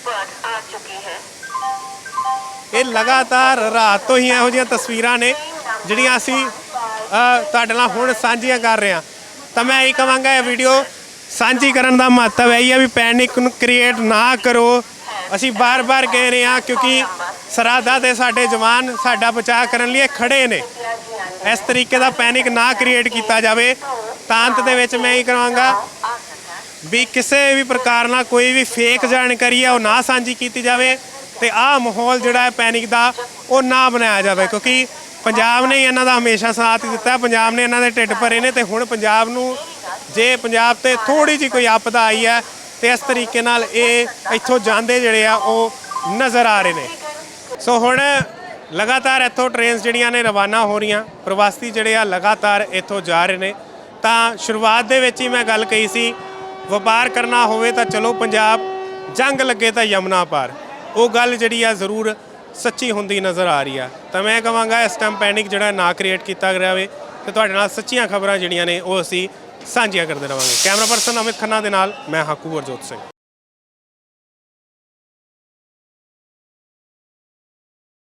Speaker 2: ਇਹ ਲਗਾਤਾਰ ਰਾਤ ਤੋਂ ਹੀ ਇਹੋ ਜਿਹੀਆਂ ਤਸਵੀਰਾਂ ਨੇ ਜਿਹੜੀਆਂ ਅਸੀਂ ਤੁਹਾਡੇ ਨਾਲ ਹੁਣ ਸਾਂਝੀਆਂ ਕਰ ਰਹੇ ਹਾਂ। ਤਾਂ ਮੈਂ ਇਹ ਕਹਾਂਗਾ, ਇਹ ਵੀਡੀਓ ਸਾਂਝੀ ਕਰਨ ਦਾ ਮਹੱਤਵ ਇਹੀ ਹੈ ਵੀ ਪੈਨਿਕ ਨੂੰ ਕ੍ਰੀਏਟ ਨਾ ਕਰੋ। ਅਸੀਂ ਬਾਰ-ਬਾਰ ਕਹਿ ਰਹੇ ਹਾਂ ਕਿਉਂਕਿ ਸਰਹੱਦਾਂ 'ਤੇ ਸਾਡੇ ਜਵਾਨ ਸਾਡਾ ਬਚਾਅ ਕਰਨ ਲਈ ਖੜੇ ਨੇ। ਇਸ ਤਰੀਕੇ ਦਾ ਪੈਨਿਕ ਨਾ ਕ੍ਰੀਏਟ ਕੀਤਾ ਜਾਵੇ। ਤਾਂ ਅੰਤ ਦੇ ਵਿੱਚ ਮੈਂ ਇਹ ਕਹਾਂਗਾ ਵੀ ਕਿਸੇ ਵੀ ਪ੍ਰਕਾਰ ਨਾਲ ਕੋਈ ਵੀ ਫੇਕ ਜਾਣਕਾਰੀ ਹੈ ਉਹ ਨਾ ਸਾਂਝੀ ਕੀਤੀ ਜਾਵੇ, ਤੇ ਆਹ ਮਾਹੌਲ ਜਿਹੜਾ ਹੈ ਪੈਨਿਕ ਦਾ ਉਹ ਨਾ ਬਣਾਇਆ ਜਾਵੇ, ਕਿਉਂਕਿ ਪੰਜਾਬ ਨੇ ਇਹਨਾਂ ਦਾ ਹਮੇਸ਼ਾ ਸਾਥ ਦਿੱਤਾ, ਪੰਜਾਬ ਨੇ ਇਹਨਾਂ ਦੇ ਢਿੱਡ ਭਰੇ ਨੇ। ਤੇ ਹੁਣ ਪੰਜਾਬ ਨੂੰ ਜੇ ਪੰਜਾਬ ਤੇ ਥੋੜੀ ਜਿਹੀ ਕੋਈ ਆਪਦਾ ਆਈ ਹੈ ਤੇ ਇਸ ਤਰੀਕੇ ਨਾਲ ਇਹ ਇੱਥੋਂ ਜਾਂਦੇ ਜਿਹੜੇ ਆ ਉਹ ਨਜ਼ਰ ਆ ਰਹੇ ਨੇ। ਸੋ ਹੁਣ ਲਗਾਤਾਰ ਇੱਥੋਂ ਟ੍ਰੇਨਸ ਜਿਹੜੀਆਂ ਨੇ ਰਵਾਨਾ ਹੋ ਰਹੀਆਂ, ਪ੍ਰਵਾਸੀ ਜਿਹੜੇ ਆ ਲਗਾਤਾਰ ਇੱਥੋਂ ਜਾ ਰਹੇ ਨੇ। ਤਾਂ ਸ਼ੁਰੂਆਤ ਦੇ ਵਿੱਚ ਹੀ ਮੈਂ ਗੱਲ ਕਹੀ ਸੀ, ਵਪਾਰ ਕਰਨਾ ਹੋਵੇ ਤਾਂ ਚਲੋ ਪੰਜਾਬ, ਜੰਗ ਲੱਗੇ ਤਾਂ ਯਮਨਾ ਪਾਰ। ਉਹ ਗੱਲ ਜਿਹੜੀ ਆ ਜ਼ਰੂਰ ਸੱਚੀ ਹੁੰਦੀ ਨਜ਼ਰ ਆ ਰਹੀ ਆ। ਤਾਂ ਮੈਂ ਕਹਾਂਗਾ ਇਸ ਟਾਈਮ ਪੈਨਿਕ ਜਿਹੜਾ ਨਾ ਕ੍ਰੀਏਟ ਕੀਤਾ ਜਾਵੇ, ਤੇ ਤੁਹਾਡੇ ਨਾਲ ਸੱਚੀਆਂ ਖਬਰਾਂ ਜਿਹੜੀਆਂ ਨੇ ਉਹ ਅਸੀਂ ਸਾਂਝੀਆਂ ਕਰਦੇ ਰਹਾਂਗੇ। ਕੈਮਰਾ ਪਰਸਨ ਅਮਿਤ ਖੰਨਾ ਦੇ ਨਾਲ ਮੈਂ ਹਾਂ ਕੁਵਰਜੋਤ ਸਿੰਘ।